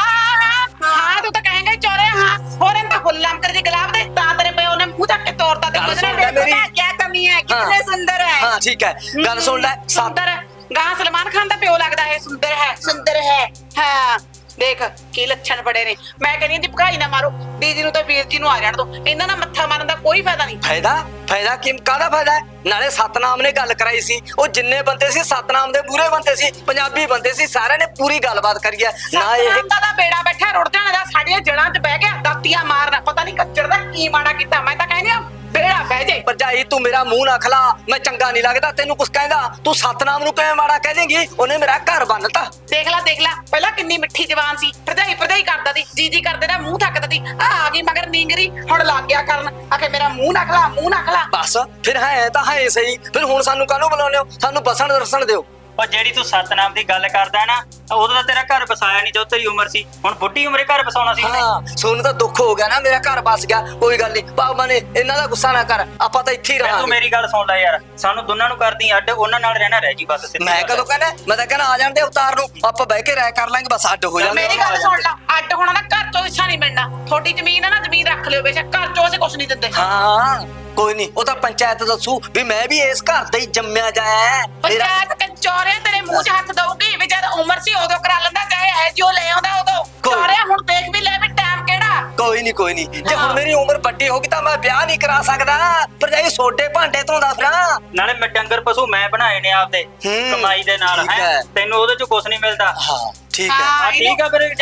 ਹਾਂ ਤੂੰ ਤਾਂ ਕਹੇਂਗਾ ਚੋਰੇ। ਹਾਂ ਹੋਰ ਇਹਨਾਂ ਹੁੱਲਮ ਕਰਦੀ ਗੁਲਾਬ ਦੇ, ਤਾਂ ਤੇਰੇ ਪਿਓ ਨੇ ਮੂੰਹ ਚੱਕ ਕੇ ਤੋੜਤਾ। ਤੇ ਗੱਲ ਉਹਦੇ ਨਾਲ ਸੁਣ ਲੈ ਦੇਖੋ ਮੇਰੀ। ਨਾ, क्या कमी है, कितने सुंदर है। ਹਾਂ ਠੀਕ ਹੈ, ਗੱਲ ਸੁਣ ਲੈ। ਸੁੰਦਰ ਗਾਂ ਸਲਮਾਨ ਖਾਨ ਦਾ ਪਿਓ ਲੱਗਦਾ ਹੈ। ਸੁੰਦਰ ਹੈ, ਸੁੰਦਰ ਹੈ। ਹਾਂ ਦੇਖ ਕੀ ਲੱਛਣ ਬੜੇ ਨੇ। ਮੈਂ ਕਹਿੰਦੀ ਦੀ ਭਗਾਈ ਨਾ ਮਾਰੋ, ਦੀਦੀ ਨੂੰ ਤਾਂ ਵੀਰ ਜੀ ਨੂੰ ਆ ਜਾਣ ਦੋ। ਇਹਨਾਂ ਨਾਲ ਮੱਥਾ ਮਾਰਨ ਦਾ ਕੋਈ ਫਾਇਦਾ ਨਹੀਂ। ਫਾਇਦਾ ਕਾਹਦਾ ਫਾਇਦਾ ਹੈ? ਨਾਲੇ ਸਤਨਾਮ ਨੇ ਗੱਲ ਕਰਾਈ ਸੀ। ਉਹ ਜਿੰਨੇ ਬੰਦੇ ਸੀ ਸਤਨਾਮ ਦੇ ਪੂਰੇ ਬੰਦੇ ਸੀ, ਪੰਜਾਬੀ ਬੰਦੇ ਸੀ, ਸਾਰਿਆਂ ਨੇ ਪੂਰੀ ਗੱਲਬਾਤ ਕਰੀ ਹੈ। ਨਾ ਇਹ ਸਤਨਾਮ ਦਾ ਬੇੜਾ ਬੈਠਾ ਰੁੜ ਜਾਣਾ ਦਾ, ਸਾਡੀਆਂ ਜੜਾਂ 'ਚ ਬਹਿ ਗਿਆ ਦਾਤੀਆਂ ਮਾਰਨਾ। ਪਤਾ ਨਹੀਂ ਕੱਚੜ ਦਾ ਕੀ ਮਾੜਾ ਕੀਤਾ। ਮੈਂ ਤਾਂ ਕਹਿੰਦੀ ਆ ਬੇੜਾ ਬਹਿ ਜਾਏ। ਭਰਜਾਈ ਤੂੰ ਮੇਰਾ ਮੂੰਹ ਨਾ ਖਲਾ, ਮੈਂ ਚੰਗਾ ਨਹੀਂ ਲੱਗਦਾ ਤੈਨੂੰ ਕੁਛ ਕਹਿੰਦਾ, ਤੂੰ ਸਤਨਾਮ ਨੂੰ ਕਿਵੇਂ ਮਾੜਾ ਕਹਿ ਦੇਂਗੀ? ਉਹਨੇ ਮੇਰਾ ਘਰ ਬੰਨਤਾ। ਦੇਖ ਲੈ ਪਹਿਲਾਂ ਕਿੰਨੀ ਮਿੱਠੀ ਜ਼ਬਾਨ ਸੀ, ਭਰਜਾਈ ਕਰਦਾ ਸੀ, ਜੀ ਕਰਦੇ ਨਾ ਮੂੰਹ ਥੱਕਦਾ ਸੀ, ਆ ਗਈ ਮਗਰ ਨੀਂਗਰੀ, ਹੁਣ ਲੱਗ ਗਿਆ ਕਰਨ ਆਖੇ ਮੇਰਾ ਮੂੰਹ ਨਾ ਖਲਾ। ਬਸ ਫਿਰ ਹੈ ਤਾਂ ਹੈ ਸਹੀ, ਫਿਰ ਹੁਣ ਸਾਨੂੰ ਕਾਹਨੂੰ ਬੁਲਾਉਂਦੇ ਹੋ? ਸਾਨੂੰ ਬਸਣ ਦਰਸਣ ਦਿਓ। ਉਹ ਜਿਹੜੀ ਤੂੰ ਸਤਨਾਮ ਦੀ ਗੱਲ ਕਰਦਾ ਨਾ, ਉਦੋਂ ਤਾਂ ਤੇਰਾ ਘਰ ਵਸਾਇਆ ਨਹੀਂ ਜਦੋਂ ਤੇਰੀ ਉਮਰ ਸੀ। ਹੁਣ ਬੁੱਢੀ ਉਮਰੇ ਘਰ ਵਸਾਉਣਾ ਸੀ ਇਹਨੇ। ਹਾਂ ਸੋਨੂੰ ਤਾਂ ਦੁੱਖ ਹੋ ਗਿਆ ਨਾ, ਮੇਰਾ ਘਰ ਬਸ ਗਿਆ। ਕੋਈ ਗੱਲ ਨਹੀਂ ਬਾਬਾ ਨੇ, ਇਹਨਾਂ ਦਾ ਗੁੱਸਾ ਨਾ ਕਰ, ਆਪਾਂ ਤਾਂ ਇੱਥੇ ਹੀ ਤੂੰ ਰਹਾਂਗੇ। ਮੇਰੀ ਗੱਲ ਸੁਣ ਲੈ ਯਾਰ, ਸਾਨੂੰ ਦੋਨਾਂ ਨੂੰ ਕਰਦੀ ਅੱਡ, ਉਹਨਾਂ ਨਾਲ ਰਹਿਣਾ ਰਹਿ ਜੀ ਬਸ। ਸਿੱਧੀ ਮੈਂ ਗੱਲ ਕਦੋਂ ਕਹਿੰਦਾ? ਮੈਂ ਤਾਂ ਕਹਿੰਦਾ ਆ ਜਾਣ ਦੇ ਅਵਤਾਰ ਨੂੰ, ਆਪਾਂ ਬਹਿ ਕੇ ਰਾਇ ਕਰ ਲਾਂਗੇ, ਬਸ ਅੱਡ ਹੋ ਜਾਵਾਂਗੇ। ਮੇਰੀ ਗੱਲ ਸੁਣ ਲਾ, ਅੱਡ ਹੋਣਾ ਨਾ ਘਰ ਚੋਂ ਹਿੱਸਾ ਨਹੀਂ ਮਿਲਣਾ। ਤੁਹਾਡੀ ਜ਼ਮੀਨ ਹੈ ਨਾ, ਜ਼ਮੀਨ ਰੱਖ ਲਿਓ ਬੇਸ਼ੱਕ, ਘਰ ਚੋਂ ਅਸੀਂ ਕੁਝ ਨਹੀਂ ਦਿੰਦੇ। ਹਾਂ ਕੋਈ ਨਹੀਂ, ਉਹ ਤਾਂ ਪੰਚਾਇਤ ਦੱਸੂ ਵੀ ਮੈਂ ਵੀ ਇਸ ਘਰ ਦਾ ਹੀ ਜੰਮਿਆ ਜਾਇਆ। ਪੰਚਾਇਤ ਕੰਚੋਰੇ ਤੇਰੇ ਮੂੰਹ 'ਚ ਹੱਥ ਦਊਗੀ ਵੀ ਜਦ ਉਮਰ ਸੀ ਉਦੋਂ ਕਰਾ ਲੈਂਦਾ, ਚਾਹੇ ਐ ਜੋ ਲੈ ਆਉਂਦਾ ਉਦੋਂ। ਚੋਰੇ ਹੁਣ ਦੇਖ ਵੀ ਲੈ ਵੀ ਟਾਈਮ ਕਿਹੜਾ। ਕੋਈ ਨਹੀਂ ਜੇ ਹੁਣ ਮੇਰੀ ਉਮਰ ਵੱਡੀ ਹੋ ਗਈ ਤਾਂ ਮੈਂ ਵਿਆਹ ਨਹੀਂ ਕਰਾ ਸਕਦਾ। ਭਰਜਾਈ ਸੋਡੇ ਭਾਂਡੇ ਧੋਂਦਾ ਫਿਰਾਂ। ਨਾਲੇ ਮੈਂ ਡੰਗਰ ਪਸ਼ੂ ਮੈਂ ਬਣਾਏ ਨੇ ਆਪਦੇ ਕਮਾਈ ਦੇ ਨਾਲ, ਠੀਕ ਹੈ ਹੈ। ਤੈਨੂੰ ਉਹਦੇ ਚ ਕੁਝ ਨਹੀਂ ਮਿਲਦਾ। ਹਾਂ ਠੀਕ ਹੈ। ਹਾਂ ਠੀਕ ਆ, ਫਿਰ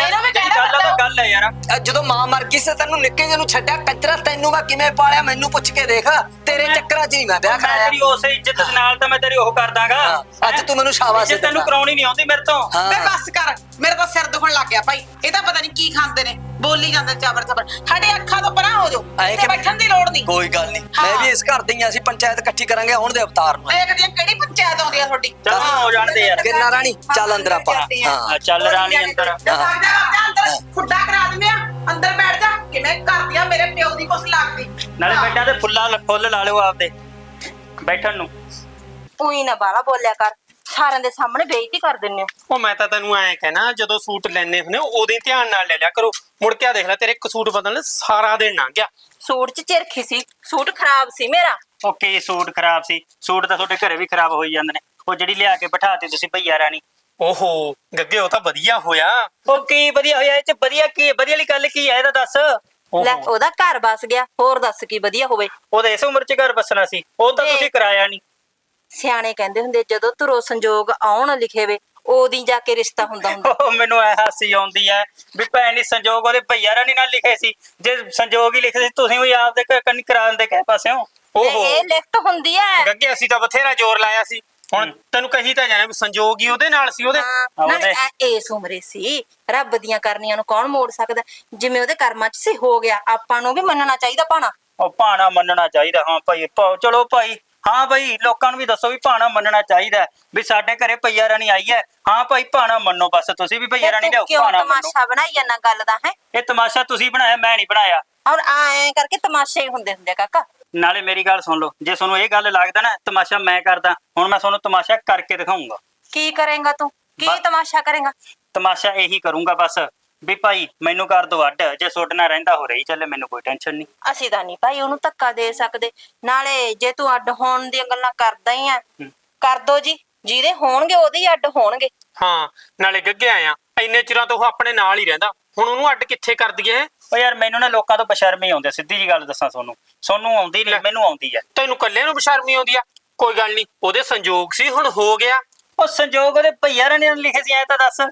ਗੱਲ ਹੈ ਯਾਰ। ਜਦੋਂ ਮਾਂ ਮਰ ਗਈ ਸੀ ਤੈਨੂੰ ਨਿੱਕੇ ਜਿਹੇ ਨੂੰ ਛੱਡਿਆ ਕੰਜਰਾ, ਤੈਨੂੰ ਮੈਂ ਕਿਵੇਂ ਪਾਲਿਆ ਮੈਨੂੰ ਪੁੱਛ ਕੇ ਦੇਖ। ਤੇਰੇ ਚੱਕਰਾਂ 'ਚ ਨਹੀਂ ਮੈਂ ਵਿਆਹ ਮੈਂ ਕਰਾਇਆ। ਤੇਰੀ ਉਸੇ ਇੱਜ਼ਤ ਨਾਲ ਤਾਂ ਮੈਂ ਤੇਰੀ ਉਹ ਕਰ ਦਾਂਗਾ। ਅੱਜ ਤੂੰ ਮੈਨੂੰ ਸ਼ਾਬਾਸ਼ ਇੱਜ਼ਤ ਤੈਨੂੰ ਕਰਾਉਣੀ ਨਹੀਂ ਆਉਂਦੀ ਮੇਰੇ ਤੋਂ। ਹਾਂ। ਮੈਂ ਬਸ ਕਰ, ਮੇਰਾ ਤਾਂ ਸਿਰ ਦੁਖਣ ਲੱਗ ਗਿਆ ਭਾਈ। ਇਹ ਤਾਂ ਪਤਾ ਨਹੀਂ ਕੀ ਖਾਂਦੇ ਨੇ, ਬੋਲੀ ਜਾਂਦੇ ਚਾਬਰ ਚਾਬਰ। ਸਾਡੇ ਅੱਖਾਂ ਤੋਂ ਪਰਾਂ ਹੋ ਜਾਓ, ਇੱਥੇ ਬੈਠਣ ਦੀ ਲੋੜ ਨਹੀਂ। ਕੋਈ ਗੱਲ ਨਹੀਂ, ਮੈਂ ਵੀ ਇਸ ਘਰ ਦੀ ਆ, ਅਸੀਂ ਪੰਚਾਇਤ ਇਕੱਠੀ ਕਰਾਂਗੇ ਹੁਣ ਦੇ ਅਵਤਾਰ ਨੂੰ। ਦੇਖਦੀ ਆ ਕਿਹੜੀ ਪੰਚਾਇਤ ਆਉਂਦੀ ਆ ਤੁਹਾਡੀ। ਚੱਲ ਹੋ ਜਾਣ ਦੇ ਯਾਰ। ਕਿਰਨਾ ਰਾਣੀ ਚੱਲ ਅੰਦਰ ਆਪਾਂ। ਹਾਂ ਚੱਲ ਰਾਣੀ ਅੰਦਰ। ਜਾ ਅੰਦਰ, ਖੁੱਡਾ ਕਰਾ ਦਿੰਦੇ ਆ, ਅੰਦਰ ਬੈਠ ਜਾ। ਕਿਵੇਂ ਕਰਦੀ ਆ ਮੇਰੇ ਪਿਓ ਦੀ ਕੁਛ ਲੱਗਦੀ। ਨਾਲੇ ਬੈਠਾ ਤੇ ਫੁੱਲ ਲਾ ਲਿਓ ਆਪਦੇ ਬੈਠਣ ਨੂੰ। ਉਹੀ ਨਾ ਬਾਲਾ ਬੋਲਿਆ ਕਰ, ਸਾਰਿਆਂ ਦੇ ਸਾਹਮਣੇ ਬੇਇੱਜ਼ਤੀ ਕਰ ਦਿੰਨੇ ਹੋ। ਉਹ ਮੈਂ ਤਾਂ ਤੈਨੂੰ ਐਂ ਕਹਿਣਾ, ਜਦੋਂ ਸੂਟ ਲੈਣੇ ਹੁੰਦੇ ਉਹਦੇ ਧਿਆਨ ਨਾਲ ਲੈ ਲਿਆ ਕਰੋ। ਮੁੜ ਕੇ ਆ ਦੇਖ ਲੈ, ਤੇਰੇ ਇੱਕ ਸੂਟ ਬਦਲਣ ਸਾਰਾ ਦਿਨ ਲੰਘ ਗਿਆ। ਸੂਟ 'ਚ ਚਿਰਖੀ ਸੀ, ਸੂਟ ਖਰਾਬ ਸੀ ਮੇਰਾ। ਉਹ ਕੀ ਸੂਟ ਖਰਾਬ ਸੀ? ਸੂਟ ਤਾਂ ਤੁਹਾਡੇ ਘਰੇ ਵੀ ਖਰਾਬ ਹੋਈ ਜਾਂਦੇ ਨੇ। ਉਹ ਜਿਹੜੀ ਲਿਆ ਕੇ ਬਿਠਾਤੀ ਤੁਸੀਂ ਭਈਆ ਰਾਣੀ। ਓਹੋ ਗੱਗੇ, ਉਹ ਤਾਂ ਵਧੀਆ ਹੋਇਆ। ਉਹ ਕੀ ਵਧੀਆ ਹੋਇਆ? ਇਹ ਚ ਵਧੀਆ ਕੀ? ਵਧੀਆ ਵਾਲੀ ਗੱਲ ਕੀ ਹੈ ਇਹਦਾ ਦੱਸ। ਲੈ ਉਹਦਾ ਘਰ ਬਸ ਗਿਆ, ਹੋਰ ਦੱਸ ਕੀ ਵਧੀਆ ਹੋਵੇ। ਉਹਦਾ ਇਸ ਉਮਰ ਚ ਘਰ ਬਸਣਾ ਸੀ, ਉਹ ਤਾਂ ਤੁਸੀਂ ਕਰਾਇਆ ਨਹੀਂ। ਸਿਆਣੇ ਕਹਿੰਦੇ ਹੁੰਦੇ ਜਦੋਂ ਧੁਰੋਂ ਸੰਜੋਗ ਆਉਣ ਲਿਖੇ ਵੇ ਉਹਦੀ ਜਾ ਕੇ ਰਿਸ਼ਤਾ ਹੁੰਦਾ। ਉਹ ਮੈਨੂੰ ਐ ਹਾਸੀ ਆਉਂਦੀ ਐ ਵੀ ਭੈਣ ਦੀ ਸੰਜੋਗ ਉਹਦੇ ਭਈਆ ਰਾਣੀ ਨਾਲ ਲਿਖੇ ਸੀ। ਜੇ ਸੰਜੋਗ ਹੀ ਲਿਖੇ ਸੀ ਤੁਸੀਂ ਵੀ ਆਪਦੇ ਕੰਨੀ ਕਰਾ ਦਿੰਦੇ ਕਿਸੇ ਪਾਸਿਓਂ। ਓਹੋ ਇਹ ਲਿਖਤ ਹੁੰਦੀ ਐ। ਗੱਗੇ, ਅਸੀਂ ਤਾਂ ਬਥੇਰਾ ਜ਼ੋਰ ਲਾਇਆ ਸੀ। ਹੁਣ ਤੈਨੂੰ ਕਹੀ ਤਾਂ ਜਾਣਾ ਵੀ ਸੰਜੋਗ ਹੀ ਉਹਦੇ ਨਾਲ ਸੀ। ਉਹਦੇ ਨਾਲੇ ਇਸ ਉਮਰੇ ਸੀ, ਰੱਬ ਦੀਆਂ ਕਰਨੀਆਂ ਨੂੰ ਕੌਣ ਮੋੜ ਸਕਦਾ? ਜਿਵੇਂ ਉਹਦੇ ਕਰਮਾਂ 'ਚ ਸੀ ਹੋ ਗਿਆ, ਆਪਾਂ ਨੂੰ ਵੀ ਮੰਨਣਾ ਚਾਹੀਦਾ ਭਾਣਾ। ਉਹ ਭਾਣਾ ਮੰਨਣਾ ਚਾਹੀਦਾ। ਹਾਂ ਭਾਈ, ਚਲੋ ਭਾਈ। ਹਾਂ ਭਾਈ, ਲੋਕਾਂ ਨੂੰ ਵੀ ਦੱਸੋ ਵੀ ਭਾਣਾ ਮੰਨਣਾ ਚਾਹੀਦਾ ਵੀ ਸਾਡੇ ਘਰੇ ਭਈਆ ਰਾਣੀ ਆਈ ਹੈ। ਹਾਂ ਭਾਈ, ਭਾਣਾ ਮੰਨੋ ਬਸ। ਤੁਸੀਂ ਵੀ ਭਈਆ ਰਾਣੀ ਲਿਆਓ, ਕਿਉਂ ਭਾਣਾ ਮੰਨੋ। ਤਮਾਸ਼ਾ ਬਣਾਈ ਜਾਂਦਾ ਗੱਲ ਦਾ ਹੈ? ਇਹ ਤਮਾਸ਼ਾ ਤੁਸੀਂ ਬਣਾਇਆ, ਮੈਂ ਨਹੀਂ ਬਣਾਇਆ। ਔਰ ਐਂ ਕਰਕੇ ਤਮਾਸ਼ੇ ਹੀ ਹੁੰਦੇ ਕਾਕਾ। ਨਾਲੇ ਮੇਰੀ ਗੱਲ ਸੁਣ ਲਓ, ਜੇ ਤੁਹਾਨੂੰ ਇਹ ਗੱਲ ਲੱਗਦਾ ਨਾ ਤਮਾਸ਼ਾ ਮੈਂ ਕਰਦਾ, ਹੁਣ ਮੈਂ ਤੁਹਾਨੂੰ ਤਮਾਸ਼ਾ ਕਰਕੇ ਦਿਖਾਉਂਗਾ। ਕੀ ਕਰੇਗਾ ਤੂੰ? ਕੀ ਤਮਾਸ਼ਾ ਕਰੇਗਾ? ਤਮਾਸ਼ਾ ਇਹੀ ਕਰੂੰਗਾ ਬਸ ਵੀ ਭਾਈ ਮੈਨੂੰ ਕਰ ਦੋ ਅੱਡ। ਜੇ ਸੁੱਟਣਾ ਰਹਿੰਦਾ ਹੋ ਰਹੀ ਚੱਲੇ, ਮੈਨੂੰ ਕੋਈ ਟੈਨਸ਼ਨ ਨਹੀਂ। ਅਸੀਂ ਤਾਂ ਨਹੀਂ ਭਾਈ ਉਹਨੂੰ ਧੱਕਾ ਦੇ ਸਕਦੇ। ਨਾਲੇ ਜੇ ਤੂੰ ਅੱਡ ਹੋਣ ਦੀਆਂ ਗੱਲਾਂ ਕਰਦਾ ਹੀ ਆ, ਕਰ ਦੋ ਜੀ। ਜਿਹਦੇ ਹੋਣਗੇ ਉਹਦੇ ਹੀ ਅੱਡ ਹੋਣਗੇ। ਹਾਂ, ਨਾਲੇ ਗੱਗੇ ਆਇਆ ਇੰਨੇ ਚਿਰਾਂ ਤੋਂ ਉਹ ਆਪਣੇ ਨਾਲ ਹੀ ਰਹਿੰਦਾ, ਹੁਣ ਉਹਨੂੰ ਅੱਡ ਕਿੱਥੇ ਕਰ ਦਈਏ? ਉਹ ਯਾਰ ਮੈਨੂੰ ਨਾ ਲੋਕਾਂ ਤੋਂ ਬਸ਼ਰਮੀ ਆਉਂਦੀ, ਸਿੱਧੀ ਜੀ ਗੱਲ ਦੱਸਾਂ ਤੁਹਾਨੂੰ ਆਉਂਦੀ ਨਹੀਂ, ਮੈਨੂੰ ਆਉਂਦੀ ਆ। ਤੈਨੂੰ ਕੱਲੇ ਨੂੰ ਬਸ਼ਰਮੀ ਆਉਂਦੀ ਆ? ਕੋਈ ਗੱਲ ਨਹੀਂ, ਉਹਦੇ ਸੰਜੋਗ ਸੀ, ਹੁਣ ਹੋ ਗਿਆ। ਉਹ ਸੰਜੋਗ ਉਹਦੇ ਭਈਆ ਰਾਣੀ ਨੇ ਲਿਖੇ ਸੀ, ਐ ਤਾਂ ਦੱਸ।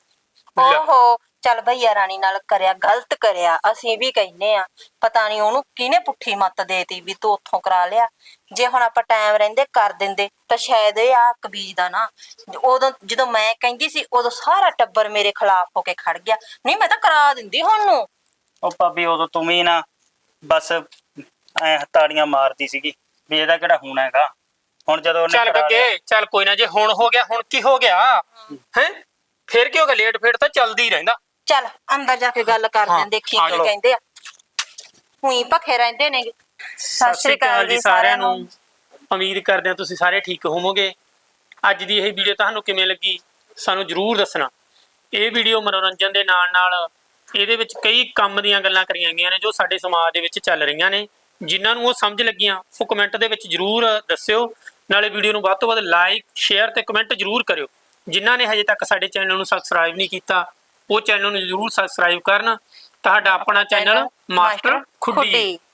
ਓਹੋ ਚੱਲ ਭਈਆ ਰਾਣੀ ਨਾਲ ਕਰਿਆ, ਗਲਤ ਕਰਿਆ। ਅਸੀਂ ਵੀ ਕਹਿੰਨੇ ਆ, ਪਤਾ ਨਹੀਂ ਉਹਨੂੰ ਕਿਹਨੇ ਪੁੱਠੀ ਮੱਤ ਦੇਤੀ ਵੀ ਤੂੰ ਉੱਥੋਂ ਕਰਾ ਲਿਆ। ਜੇ ਹੁਣ ਆਪਾਂ ਟਾਈਮ ਰਹਿੰਦੇ ਕਰ ਦਿੰਦੇ ਤਾਂ ਸ਼ਾਇਦ ਇਹ ਆ ਕਬੀਜ ਦਾ ਨਾ। ਉਦੋਂ ਜਦੋਂ ਮੈਂ ਕਹਿੰਦੀ ਸੀ ਉਦੋਂ ਸਾਰਾ ਟੱਬਰ ਮੇਰੇ ਖਿਲਾਫ ਹੋ ਕੇ ਖੜ ਗਿਆ। ਨਹੀਂ ਮੈਂ ਤਾਂ ਕਰਾ ਦਿੰਦੀ ਹੁਣ ਨੂੰ। ਉਹ ਭਾਬੀ ਉਦੋਂ ਤੂੰ ਵੀ ਨਾ ਬਸ ਐ ਤਾੜੀਆਂ ਮਾਰਦੀ ਸੀਗੀ ਵੀ ਇਹਦਾ ਕਿਹੜਾ ਹੋਣਾ ਹੈਗਾ। ਹੁਣ ਜਦੋਂ ਉਹਨੇ ਚੱਲ ਗੱਗੇ, ਚੱਲ ਕੋਈ ਨਾ, ਜੇ ਹੁਣ ਹੋ ਗਿਆ ਹੁਣ ਕੀ ਹੋ ਗਿਆ ਹੈ? ਫੇਰ ਕੀ ਹੋ ਗਿਆ? ਲੇਟ ਫੇਟ ਤਾਂ ਚੱਲਦੀ ਹੀ ਰਹਿੰਦਾ। ਚੱਲ ਅੰਦਰ ਜਾ ਕੇ ਗੱਲ ਕਰਦੇ ਆਂ, ਦੇਖੀ ਕੀ ਕਹਿੰਦੇ ਆ। ਉਹੀ ਭਖੇ ਰਹਿੰਦੇ ਨੇ। ਸਤਿ ਸ੍ਰੀ ਅਕਾਲ ਜੀ ਸਾਰਿਆਂ ਨੂੰ। ਉਮੀਦ ਕਰਦੇ ਹਾਂ ਤੁਸੀਂ ਸਾਰੇ ਠੀਕ ਹੋਵੋਗੇ। ਅੱਜ ਦੀ ਇਹ ਵੀਡੀਓ ਤੁਹਾਨੂੰ ਕਿਵੇਂ ਲੱਗੀ ਸਾਨੂੰ ਜਰੂਰ ਦੱਸਣਾ। ਇਹ ਵੀਡੀਓ ਮਨੋਰੰਜਨ ਦੇ ਨਾਲ ਨਾਲ ਇਹਦੇ ਵਿੱਚ ਕਈ ਕੰਮ ਦੀਆਂ ਗੱਲਾਂ ਕਰੀਆਂ ਗਈਆਂ ਨੇ ਜੋ ਸਾਡੇ ਸਮਾਜ ਦੇ ਵਿੱਚ ਚੱਲ ਰਹੀਆਂ ਨੇ। ਜਿਨ੍ਹਾਂ ਨੂੰ ਉਹ ਸਮਝ ਲੱਗੀਆਂ ਉਹ ਕਮੈਂਟ ਦੇ ਵਿੱਚ ਜਰੂਰ ਦੱਸਿਓ। ਨਾਲੇ ਵੀਡੀਓ ਨੂੰ ਵੱਧ ਤੋਂ ਵੱਧ ਲਾਈਕ, ਸ਼ੇਅਰ ਤੇ ਕਮੈਂਟ ਜਰੂਰ ਕਰਿਓ। ਜਿਨ੍ਹਾਂ ਨੇ ਹਜੇ ਤੱਕ ਸਾਡੇ ਚੈਨਲ ਨੂੰ ਸਬਸਕ੍ਰਾਈਬ ਨਹੀਂ ਕੀਤਾ ਉਹ ਚੈਨਲ ਨੂੰ ਜਰੂਰ ਸਬਸਕ੍ਰਾਈਬ ਕਰਨ। ਤੁਹਾਡਾ ਆਪਣਾ ਚੈਨਲ ਮਾਸਟਰ ਖੁੱਡੀ।